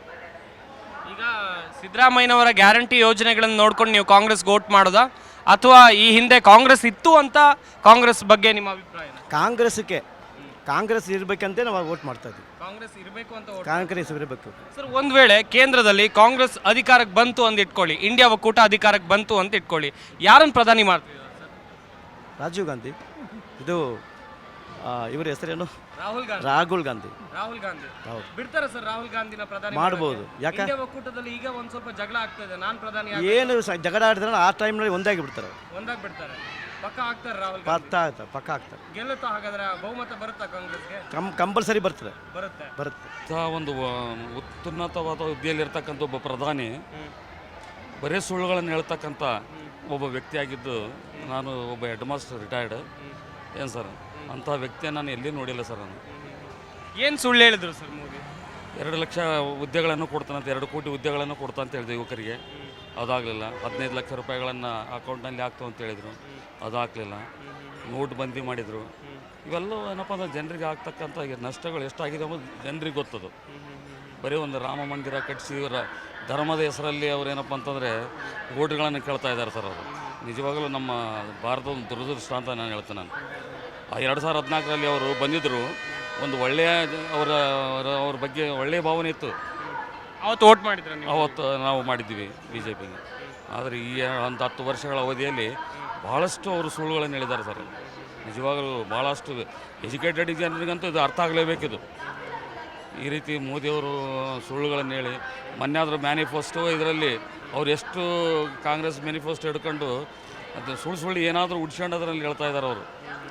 A: ಈಗ ಸಿದ್ದರಾಮಯ್ಯನವರ ಗ್ಯಾರಂಟಿ ಯೋಜನೆಗಳನ್ನು ನೋಡ್ಕೊಂಡು ನೀವು ಕಾಂಗ್ರೆಸ್ ವೋಟ್ ಮಾಡೋದಾ, ಅಥವಾ ಈ ಹಿಂದೆ ಕಾಂಗ್ರೆಸ್ ಇತ್ತು ಅಂತ ಕಾಂಗ್ರೆಸ್ ಬಗ್ಗೆ ನಿಮ್ಮ ಅಭಿಪ್ರಾಯ?
I: ಕಾಂಗ್ರೆಸ್ ಇರಬೇಕಂತ ನಾವು ವೋಟ್ ಮಾಡ್ತಾ ಇದ್ದೀವಿ.
A: ಕಾಂಗ್ರೆಸ್ ಇರಬೇಕು ಅಂತ.
I: ಕಾಂಗ್ರೆಸ್ ಇರಬೇಕು
A: ಸರ್. ಒಂದು ವೇಳೆ ಕೇಂದ್ರದಲ್ಲಿ ಕಾಂಗ್ರೆಸ್ ಅಧಿಕಾರಕ್ಕೆ ಬಂತು ಅಂತ ಇಟ್ಕೊಳ್ಳಿ, ಇಂಡಿಯಾ ಒಕ್ಕೂಟ ಅಧಿಕಾರಕ್ಕೆ ಬಂತು ಅಂತ ಇಟ್ಕೊಳ್ಳಿ, ಯಾರನ್ನು ಪ್ರಧಾನಿ ಮಾಡ್ತೀವಿ?
I: ರಾಜೀವ್ ಗಾಂಧಿ, ಇದು ಇವ್ರ ಹೆಸರೇನು?
A: ರಾಹುಲ್ ಗಾಂಧಿ.
I: ಹೌದು.
A: ಬಿಡ್ತಾರೆ ಸರ್ ರಾಹುಲ್ ಗಾಂಧಿನ ಪ್ರಧಾನಿ
I: ಮಾಡ್ಬೋದು. ಯಾಕೆ?
A: ಇಂಡಿಯಾ ಒಕ್ಕೂಟದಲ್ಲಿ ಈಗ ಒಂದು ಸ್ವಲ್ಪ ಜಗಳ ಆಗ್ತಾ ಇದೆ, ನಾನು ಪ್ರಧಾನಿ
I: ಏನು ಜಗಳ ಆಡಿದ್ರೆ ಆ ಟೈಮ್ನಲ್ಲಿ ಒಂದಾಗಿ ಬಿಡ್ತಾರೆ.
A: ಬಿಡ್ತಾರೆ. ಪಕ್ಕ ಆಗ್ತಾರೆ ರಾಹುಲ್
I: ಪಕ್ಕ ಆಗ್ತಾರೆ.
A: ಗೆಲ್ಲುತ್ತಾ? ಹಾಗಾದ್ರೆ ಬಹುಮತ ಬರುತ್ತಾ ಕಾಂಗ್ರೆಸ್ಗೆ?
I: ಕಂಪಲ್ಸರಿ ಬರುತ್ತೆ.
M: ಒಂದು ಉನ್ನತವಾದ ಹುದ್ದೆಯಲ್ಲಿರ್ತಕ್ಕಂಥ ಒಬ್ಬ ಪ್ರಧಾನಿ ಬರೀ ಸುಳ್ಳುಗಳನ್ನು ಹೇಳ್ತಕ್ಕಂಥ ಒಬ್ಬ ವ್ಯಕ್ತಿಯಾಗಿದ್ದು, ನಾನು ಒಬ್ಬ ಹೆಡ್ ಮಾಸ್ಟರ್ ರಿಟೈರ್ಡ್. ಏನು ಸರ್, ಅಂಥ ವ್ಯಕ್ತಿಯನ್ನು ನಾನು ಎಲ್ಲಿ ನೋಡಿಲ್ಲ ಸರ್. ನಾನು
A: ಏನು ಸುಳ್ಳು ಹೇಳಿದ್ರು ಸರ್ ಮೋದಿ?
M: 2 ಲಕ್ಷ ಹುದ್ದೆಗಳನ್ನು ಕೊಡ್ತಾನಂತ, 2 ಕೋಟಿ ಹುದ್ದೆಗಳನ್ನು ಕೊಡ್ತಾನಂತ ಹೇಳಿದೆ ಯುವಕರಿಗೆ. ಅದಾಗಲಿಲ್ಲ. 15 ಲಕ್ಷ ರೂಪಾಯಿಗಳನ್ನು ಅಕೌಂಟ್ನಲ್ಲಿ ಹಾಕ್ತು ಅಂತ ಹೇಳಿದರು, ಅದು ಹಾಕಲಿಲ್ಲ. ನೋಟ್ ಬಂದಿ ಮಾಡಿದರು. ಇವೆಲ್ಲ ಏನಪ್ಪ ಅಂದ್ರೆ ಜನರಿಗೆ ಆಗ್ತಕ್ಕಂಥ ನಷ್ಟಗಳು ಎಷ್ಟಾಗಿದೆ ಅನ್ನೋದು ಜನರಿಗೆ ಗೊತ್ತದು. ಬರೀ ಒಂದು ರಾಮ ಮಂದಿರ ಕಟ್ಟಿಸಿ ಇವರ ಧರ್ಮದ ಹೆಸರಲ್ಲಿ ಅವ್ರೇನಪ್ಪ ಅಂತಂದರೆ ಓಟ್ಗಳನ್ನು ಕೇಳ್ತಾ ಇದ್ದಾರೆ ಸರ್. ಅವರು ನಿಜವಾಗಲೂ ನಮ್ಮ ಭಾರತದ ಒಂದು ದುರದೃಷ್ಟ ಅಂತ ನಾನು ಹೇಳ್ತೇನೆ. ನಾನು 2014ರಲ್ಲಿ ಅವರು ಬಂದಿದ್ದರು, ಒಂದು ಒಳ್ಳೆಯ ಅವ್ರ ಬಗ್ಗೆ ಒಳ್ಳೆಯ ಭಾವನೆ ಇತ್ತು.
A: ಅವತ್ತು ವೋಟ್ ಮಾಡಿದ್ರೆ?
M: ಅವತ್ತು ನಾವು ಮಾಡಿದ್ದೀವಿ BJPಗೆ. ಆದರೆ ಈ ಒಂದು 10 ವರ್ಷಗಳ ಅವಧಿಯಲ್ಲಿ ಭಾಳಷ್ಟು ಅವರು ಸುಳ್ಳುಗಳನ್ನು ಹೇಳಿದ್ದಾರೆ ಸರ್. ನಿಜವಾಗಲೂ ಭಾಳಷ್ಟು ಎಜುಕೇಟೆಡ್ ಜನರಿಗಂತೂ ಇದು ಅರ್ಥ ಆಗಲೇಬೇಕಿದು. ಈ ರೀತಿ ಮೋದಿಯವರು ಸುಳ್ಳುಗಳನ್ನು ಹೇಳಿ ಮೊನ್ನೆ ಆದರೂ ಮ್ಯಾನಿಫೆಸ್ಟೋ ಇದರಲ್ಲಿ ಅವ್ರು ಎಷ್ಟು ಕಾಂಗ್ರೆಸ್ ಮ್ಯಾನಿಫೆಸ್ಟೋ ಹಿಡ್ಕೊಂಡು ಅದು ಸುಳ್ಳು ಏನಾದರೂ ಉಡ್ಸ್ಕೊಂಡದ್ರಲ್ಲಿ ಹೇಳ್ತಾ ಇದ್ದಾರೆ ಅವರು.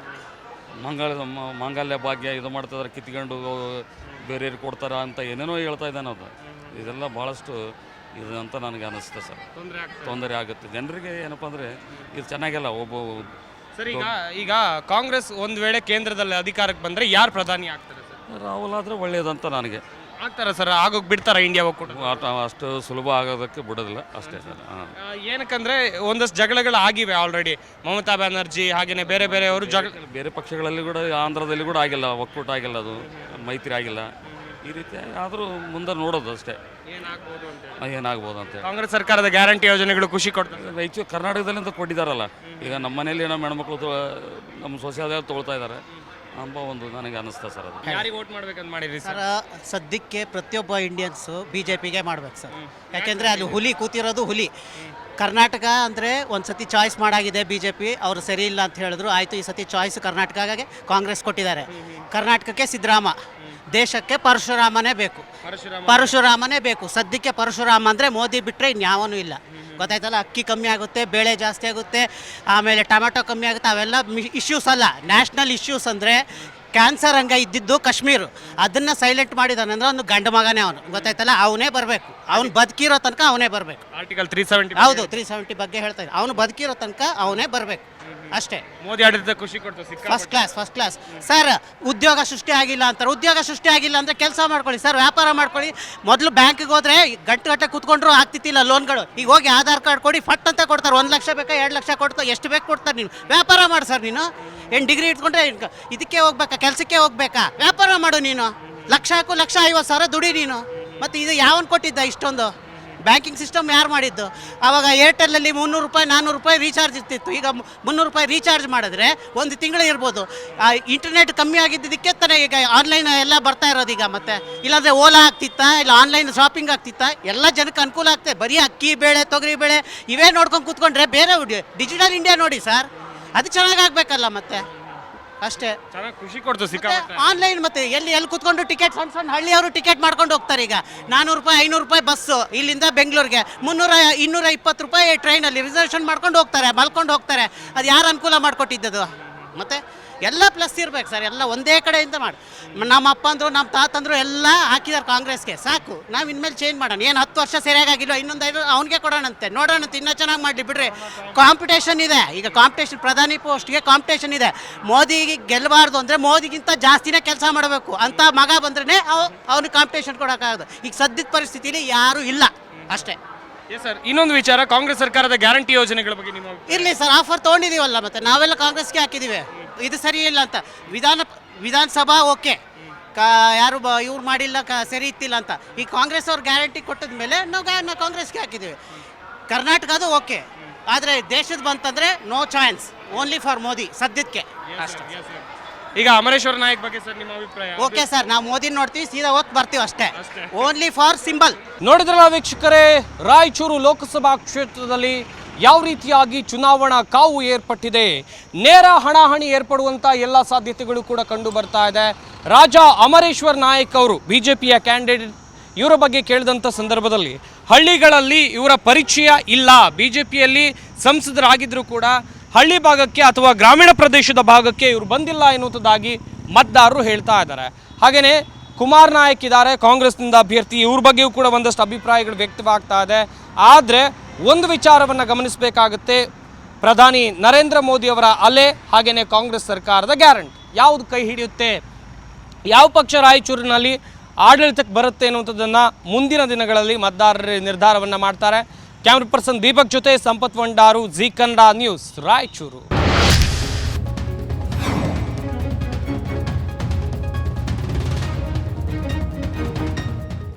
M: ಮಾಂಗಲ್ಯ ಭಾಗ್ಯ ಇದು ಮಾಡ್ತಿದ್ದಾರೆ, ಕಿತ್ಕೊಂಡು ಬೇರೆಯವ್ರಿಗೆ ಕೊಡ್ತಾರ ಅಂತ ಏನೇನೋ ಹೇಳ್ತಾ ಇದ್ದಾನೆ ಅದು. ಇದೆಲ್ಲ ಭಾಳಷ್ಟು ಇದು ಅಂತ ನನಗೆ ಅನ್ನಿಸುತ್ತೆ ಸರ್. ತೊಂದರೆ ಆಗುತ್ತೆ ಜನರಿಗೆ. ಏನಪ್ಪ ಅಂದರೆ ಇದು ಚೆನ್ನಾಗಿಲ್ಲ.
A: ಸರ್ ಈಗ ಕಾಂಗ್ರೆಸ್ ಒಂದು ವೇಳೆ ಕೇಂದ್ರದಲ್ಲಿ ಅಧಿಕಾರಕ್ಕೆ ಬಂದರೆ ಯಾರು ಪ್ರಧಾನಿ ಆಗ್ತಾರೆ ಸರ್?
M: ರಾಹುಲ್ ಆದರೆ ಒಳ್ಳೆಯದಂತ ನನಗೆ.
A: ಆಗ್ತಾರ ಸರ್? ಆಗೋಗಿ ಬಿಡ್ತಾರ ಇಂಡಿಯಾ ಒಕ್ಕೂಟ?
M: ಅಷ್ಟು ಸುಲಭ ಆಗೋದಕ್ಕೆ ಬಿಡೋದಿಲ್ಲ ಅಷ್ಟೇ ಸರ್.
A: ಏನಕ್ಕಂದ್ರೆ ಒಂದಷ್ಟು ಜಗಳಗಳು ಆಗಿವೆ ಆಲ್ರೆಡಿ. ಮಮತಾ ಬ್ಯಾನರ್ಜಿ ಹಾಗೆಯೇ ಬೇರೆ ಬೇರೆಯವರು
M: ಬೇರೆ ಪಕ್ಷಗಳಲ್ಲಿ ಕೂಡ, ಆಂಧ್ರದಲ್ಲಿ ಕೂಡ ಆಗಿಲ್ಲ, ಒಕ್ಕೂಟ ಆಗಿಲ್ಲ, ಅದು ಮೈತ್ರಿ ಆಗಿಲ್ಲ. ಈ ರೀತಿ ಆದರೂ ಮುಂದೆ ನೋಡೋದು ಅಷ್ಟೇ ಏನಾಗ್ಬೋದು ಅಂತ.
A: ಕಾಂಗ್ರೆಸ್ ಸರ್ಕಾರದ ಗ್ಯಾರಂಟಿ ಯೋಜನೆಗಳು ಖುಷಿ ಕೊಡ್ತಾರೆ.
M: ಹೆಚ್ಚು ಕರ್ನಾಟಕದಲ್ಲಿಂದ ಕೊಟ್ಟಿದ್ದಾರಲ್ಲ. ಈಗ ನಮ್ಮ ಮನೇಲಿ ನಮ್ಮ ಹೆಣ್ಮಕ್ಳು ನಮ್ಮ ಸೊಸೆಯಾದ ತೊಗೊಳ್ತಾ ಇದ್ದಾರೆ ಎಂಬ ಒಂದು ನನಗೆ ಅನ್ನಿಸ್ತಾ ಸರ್. ಅದು
A: ಯಾರಿಗೆ ವೋಟ್ ಮಾಡ್ಬೇಕಂತ ಮಾಡಿರಿ ಸರ್?
E: ಸದ್ಯಕ್ಕೆ ಪ್ರತಿಯೊಬ್ಬ ಇಂಡಿಯನ್ಸು BJPಗೆ ಮಾಡ್ಬೇಕು ಸರ್. ಯಾಕೆಂದರೆ ಅಲ್ಲಿ ಹುಲಿ ಕೂತಿರೋದು ಹುಲಿ. ಕರ್ನಾಟಕ ಅಂದರೆ ಒಂದು ಸತಿ ಚಾಯ್ಸ್ ಮಾಡಾಗಿದೆ BJP, ಅವರು ಸರಿ ಇಲ್ಲ ಅಂತ ಹೇಳಿದ್ರು. ಆಯಿತು, ಈ ಸತಿ ಚಾಯ್ಸ್ ಕರ್ನಾಟಕಗೆ ಕಾಂಗ್ರೆಸ್ ಕೊಟ್ಟಿದ್ದಾರೆ. ಕರ್ನಾಟಕಕ್ಕೆ ಸಿದ್ದರಾಮ, ದೇಶಕ್ಕೆ ಪರಶುರಾಮನೇ ಬೇಕು. ಪರಶುರಾಮನೇ ಬೇಕು ಸದ್ಯಕ್ಕೆ. ಪರಶುರಾಮ ಅಂದರೆ ಮೋದಿ ಬಿಟ್ಟರೆ ಇನ್ಯಾವನೂ ಇಲ್ಲ. ಗೊತ್ತಾಯ್ತಲ್ಲ? ಅಕ್ಕಿ ಕಮ್ಮಿ ಆಗುತ್ತೆ, ಬೇಳೆ ಜಾಸ್ತಿ ಆಗುತ್ತೆ, ಆಮೇಲೆ ಟೊಮೆಟೊ ಕಮ್ಮಿ ಆಗುತ್ತೆ. ಅವೆಲ್ಲ ಇಶ್ಯೂಸ್ ಅಲ್ಲ. ನ್ಯಾಷನಲ್ ಇಶ್ಯೂಸ್ ಅಂದರೆ ಕ್ಯಾನ್ಸರ್ ಹಂಗೆ ಇದ್ದಿದ್ದು ಕಾಶ್ಮೀರ, ಅದನ್ನು ಸೈಲೆಂಟ್ ಮಾಡಿದಾನೆ ಅಂದರೆ ಅವನು ಗಂಡ ಮಗನೇ ಅವನು. ಗೊತ್ತಾಯ್ತಲ್ಲ? ಅವನೇ ಬರಬೇಕು. ಅವ್ನು ಬದುಕಿರೋ ತನಕ ಅವನೇ ಬರಬೇಕು.
A: ಆರ್ಟಿಕಲ್ 370
E: ಹೌದು, 370 ಬಗ್ಗೆ ಹೇಳ್ತಾ ಇದ್ದೆ. ಅವನು ಬದುಕಿರೋ ತನಕ ಅವನೇ ಬರಬೇಕು ಅಷ್ಟೇ.
A: ಮೋದಿ ಆಡಳಿತ ಖುಷಿ ಕೊಡ್ತು.
E: First class sir. ಉದ್ಯೋಗ ಸೃಷ್ಟಿ ಆಗಿಲ್ಲ ಅಂತಾರೆ. ಉದ್ಯೋಗ ಸೃಷ್ಟಿ ಆಗಿಲ್ಲ ಅಂದರೆ ಕೆಲಸ ಮಾಡ್ಕೊಳ್ಳಿ ಸರ್, ವ್ಯಾಪಾರ ಮಾಡ್ಕೊಳ್ಳಿ. ಮೊದಲು ಬ್ಯಾಂಕಿಗೆ ಹೋದರೆ ಗಂಟೆ ಕೂತ್ಕೊಂಡ್ರು ಆಗ್ತಿತ್ತಿಲ್ಲ ಲೋನ್ಗಳು. ಈಗ ಹೋಗಿ ಆಧಾರ್ ಕಾರ್ಡ್ ಕೊಡಿ, ಫಟ್ ಅಂತ ಕೊಡ್ತಾರೆ. 1 ಲಕ್ಷ ಬೇಕಾ, 2 ಲಕ್ಷ ಕೊಡ್ತಾರೆ, ಎಷ್ಟು ಬೇಕು ಕೊಡ್ತಾರೆ. ನೀನು ವ್ಯಾಪಾರ ಮಾಡಿ ಸರ್. ನೀನು ಏನು ಡಿಗ್ರಿ ಇಟ್ಕೊಂಡ್ರೆ ಇದಕ್ಕೆ ಹೋಗ್ಬೇಕಾ, ಕೆಲಸಕ್ಕೆ ಹೋಗ್ಬೇಕಾ? ವ್ಯಾಪಾರ ಮಾಡು ನೀನು. ಲಕ್ಷ ಹಾಕು, 1,50,000 ದುಡಿ ನೀನು. ಮತ್ತು ಇದು ಯಾವನು ಕೊಟ್ಟಿದ್ದ ಇಷ್ಟೊಂದು? ಬ್ಯಾಂಕಿಂಗ್ ಸಿಸ್ಟಮ್ ಯಾರು ಮಾಡಿದ್ದು? ಆವಾಗ ಏರ್ಟೆಲ್ಲಲ್ಲಿ 300 ರೂಪಾಯಿ 400 ರೂಪಾಯಿ ರೀಚಾರ್ಜ್ ಇರ್ತಿತ್ತು. ಈಗ 300 ರೂಪಾಯಿ ರೀಚಾರ್ಜ್ ಮಾಡಿದ್ರೆ ಒಂದು ತಿಂಗಳು ಇರ್ಬೋದು. ಇಂಟರ್ನೆಟ್ ಕಮ್ಮಿ ಆಗಿದ್ದಕ್ಕೆ ತಾನೇ ಈಗ ಆನ್ಲೈನ್ ಎಲ್ಲ ಬರ್ತಾ ಇರೋದು ಈಗ. ಮತ್ತೆ ಇಲ್ಲಾಂದರೆ ಓಲಾ ಆಗ್ತಿತ್ತಾ, ಇಲ್ಲ ಆನ್ಲೈನ್ ಶಾಪಿಂಗ್ ಆಗ್ತಿತ್ತಾ? ಎಲ್ಲ ಜನಕ್ಕೆ ಅನುಕೂಲ ಆಗ್ತದೆ. ಬರೀ ಅಕ್ಕಿ ಬೇಳೆ, ತೊಗರಿ ಬೇಳೆ ಇವೇ ನೋಡ್ಕೊಂಡು ಕೂತ್ಕೊಂಡ್ರೆ ಬೇರೆ ಡಿಜಿಟಲ್ ಇಂಡಿಯಾ ನೋಡಿ ಸರ್, ಅದು ಚೆನ್ನಾಗಾಗಬೇಕಲ್ಲ ಮತ್ತೆ ಅಷ್ಟೇ.
A: ಚೆನ್ನಾಗಿ ಖುಷಿ ಕೊಡ್ತು ಸಿಕ್ಕಾಪಟ್ಟೆ.
E: ಆನ್ಲೈನ್ ಮತ್ತೆ ಎಲ್ಲಿ ಕೂತ್ಕೊಂಡು ಟಿಕೆಟ್, ಸಣ್ಣ ಹಳ್ಳಿಯವರು ಟಿಕೆಟ್ ಮಾಡ್ಕೊಂಡು ಹೋಗ್ತಾರೆ. ಈಗ 400 ರೂಪಾಯಿ 500 ರೂಪಾಯಿ ಬಸ್ಸು ಇಲ್ಲಿಂದ ಬೆಂಗಳೂರಿಗೆ, 220 ರೂಪಾಯಿ ಟ್ರೈನಲ್ಲಿ ರಿಸರ್ವೇಷನ್ ಮಾಡ್ಕೊಂಡು ಹೋಗ್ತಾರೆ, ಮಲ್ಕೊಂಡು ಹೋಗ್ತಾರೆ. ಅದು ಯಾರು ಅನುಕೂಲ ಮಾಡಿಕೊಟ್ಟಿದ್ದದು? ಮತ್ತೆ ಎಲ್ಲ ಪ್ಲಸ್ ಇರ್ಬೇಕು ಸರ್. ಎಲ್ಲ ಒಂದೇ ಕಡೆಯಿಂದ ಮಾಡಿ. ನಮ್ಮ ಅಪ್ಪ ಅಂದರು, ನಮ್ಮ ತಾತಂದರು ಎಲ್ಲ ಹಾಕಿದ್ದಾರೆ ಕಾಂಗ್ರೆಸ್ಗೆ. ಸಾಕು, ನಾವು ಇನ್ಮೇಲೆ ಚೇಂಜ್ ಮಾಡೋಣ. ಏನು 10 ವರ್ಷ ಸರಿಯಾಗಿಲ್ಲ, ಇನ್ನೊಂದು 5 ಅವನಿಗೆ ಕೊಡೋಣಂತೆ, ನೋಡೋಣಂತೆ. ಇನ್ನೂ ಚೆನ್ನಾಗಿ ಮಾಡಲಿ ಬಿಡ್ರಿ. ಕಾಂಪಿಟೇಷನ್ ಇದೆ ಈಗ. ಕಾಂಪಿಟೇಷನ್, ಪ್ರಧಾನಿ ಪೋಸ್ಟ್ಗೆ ಕಾಂಪಿಟೇಷನ್ ಇದೆ. ಮೋದಿಗೆ ಗೆಲ್ಲಬಾರ್ದು ಅಂದರೆ ಮೋದಿಗಿಂತ ಜಾಸ್ತಿನೇ ಕೆಲಸ ಮಾಡಬೇಕು ಅಂತ ಮಗ ಬಂದ್ರೇ ಅವ್ನಿಗೆ ಕಾಂಪಿಟೇಷನ್ ಕೊಡೋಕ್ಕಾಗೋದು. ಈಗ ಸದ್ಯದ ಪರಿಸ್ಥಿತಿಲಿ ಯಾರೂ ಇಲ್ಲ ಅಷ್ಟೇ.
A: ಸರ್, ಇನ್ನೊಂದು ವಿಚಾರ, ಕಾಂಗ್ರೆಸ್ ಸರ್ಕಾರದ ಗ್ಯಾರಂಟಿ ಯೋಜನೆಗಳ ಬಗ್ಗೆ ನಿಮ್ಮ
E: ಇರಲಿ ಸರ್. ಆಫರ್ ತೊಗೊಂಡಿದ್ದೀವಲ್ಲ, ಮತ್ತೆ ನಾವೆಲ್ಲ ಕಾಂಗ್ರೆಸ್ಗೆ ಹಾಕಿದ್ದೀವಿ. ಇದು ಸರಿ ಇಲ್ಲ ಅಂತ ವಿಧಾನಸಭಾ ಓಕೆ, ಯಾರು ಇವ್ರು ಮಾಡಿಲ್ಲ, ಸರಿ ಇತ್ತಿಲ್ಲ ಅಂತ. ಈ ಕಾಂಗ್ರೆಸ್ ಅವ್ರು ಗ್ಯಾರಂಟಿ ಕೊಟ್ಟಿದ ಮೇಲೆ ನಾವು ಕಾಂಗ್ರೆಸ್ಗೆ ಹಾಕಿದ್ದೀವಿ. ಕರ್ನಾಟಕದು ಓಕೆ, ಆದರೆ ದೇಶದ ಬಂತಂದರೆ no chance, only for Modi ಸದ್ಯಕ್ಕೆ ಅಷ್ಟೇ.
A: ಈಗ ಅಮರೇಶ್ವರ ನಾಯಕ್ ಬಗ್ಗೆ ಸರ್ ನಿಮ್ಮ ಅಭಿಪ್ರಾಯ?
E: ಓಕೆ ಸರ್, ನಾವು ಮೋದಿ ನೋಡ್ತೀವಿ, ಸೀದಾ ಹೋಗಿ ಬರ್ತೀವಿ ಅಷ್ಟೇ. Only for symbol.
A: ನೋಡಿದ್ರಲ್ಲ ವೀಕ್ಷಕರೇ, ರಾಯಚೂರು ಲೋಕಸಭಾ ಕ್ಷೇತ್ರದಲ್ಲಿ ಯಾವ ರೀತಿಯಾಗಿ ಚುನಾವಣಾ ಕಾವು ಏರ್ಪಟ್ಟಿದೆ. ನೇರ ಹಣಾಹಣಿ ಏರ್ಪಡುವಂಥ ಎಲ್ಲ ಸಾಧ್ಯತೆಗಳು ಕೂಡ ಕಂಡು ಬರ್ತಾ ಇದೆ. ರಾಜಾ ಅಮರೇಶ್ವರ್ ನಾಯಕ್ ಅವರು BJPಯ ಕ್ಯಾಂಡಿಡೇಟ್. ಇವರ ಬಗ್ಗೆ ಕೇಳಿದಂಥ ಸಂದರ್ಭದಲ್ಲಿ ಹಳ್ಳಿಗಳಲ್ಲಿ ಇವರ ಪರಿಚಯ ಇಲ್ಲ, BJPಯಲ್ಲಿ ಸಂಸದರಾಗಿದ್ದರೂ ಕೂಡ ಹಳ್ಳಿ ಭಾಗಕ್ಕೆ ಅಥವಾ ಗ್ರಾಮೀಣ ಪ್ರದೇಶದ ಭಾಗಕ್ಕೆ ಇವರು ಬಂದಿಲ್ಲ ಎನ್ನುವುದಾಗಿ ಮತದಾರರು ಹೇಳ್ತಾ ಇದ್ದಾರೆ. ಹಾಗೆಯೇ ಕುಮಾರ್ ನಾಯಕ್ ಇದ್ದಾರೆ, ಕಾಂಗ್ರೆಸ್ನಿಂದ ಅಭ್ಯರ್ಥಿ. ಇವ್ರ ಬಗ್ಗೆಯೂ ಕೂಡ ಒಂದಷ್ಟು ಅಭಿಪ್ರಾಯಗಳು ವ್ಯಕ್ತವಾಗ್ತಾ ಇದೆ. ಆದರೆ ಒಂದು ವಿಚಾರವನ್ನು ಗಮನಿಸಬೇಕಾಗುತ್ತೆ, ಪ್ರಧಾನಿ ನರೇಂದ್ರ ಮೋದಿ ಅವರ ಅಲೆ ಹಾಗೆಯೇ ಕಾಂಗ್ರೆಸ್ ಸರ್ಕಾರದ ಗ್ಯಾರಂಟಿ ಯಾವುದು ಕೈ ಹಿಡಿಯುತ್ತೆ, ಯಾವ ಪಕ್ಷ ರಾಯಚೂರಿನಲ್ಲಿ ಆಡಳಿತಕ್ಕೆ ಬರುತ್ತೆ ಅನ್ನುವಂಥದ್ದನ್ನು ಮುಂದಿನ ದಿನಗಳಲ್ಲಿ ಮತದಾರರ ನಿರ್ಧಾರವನ್ನು ಮಾಡ್ತಾರೆ. ಕ್ಯಾಮ್ರಾ ಪರ್ಸನ್ ದೀಪಕ್ ಜೊತೆ ಸಂಪತ್ ವಂಡಾರು, ಜಿ ಕನ್ನಡ ನ್ಯೂಸ್, ರಾಯಚೂರು.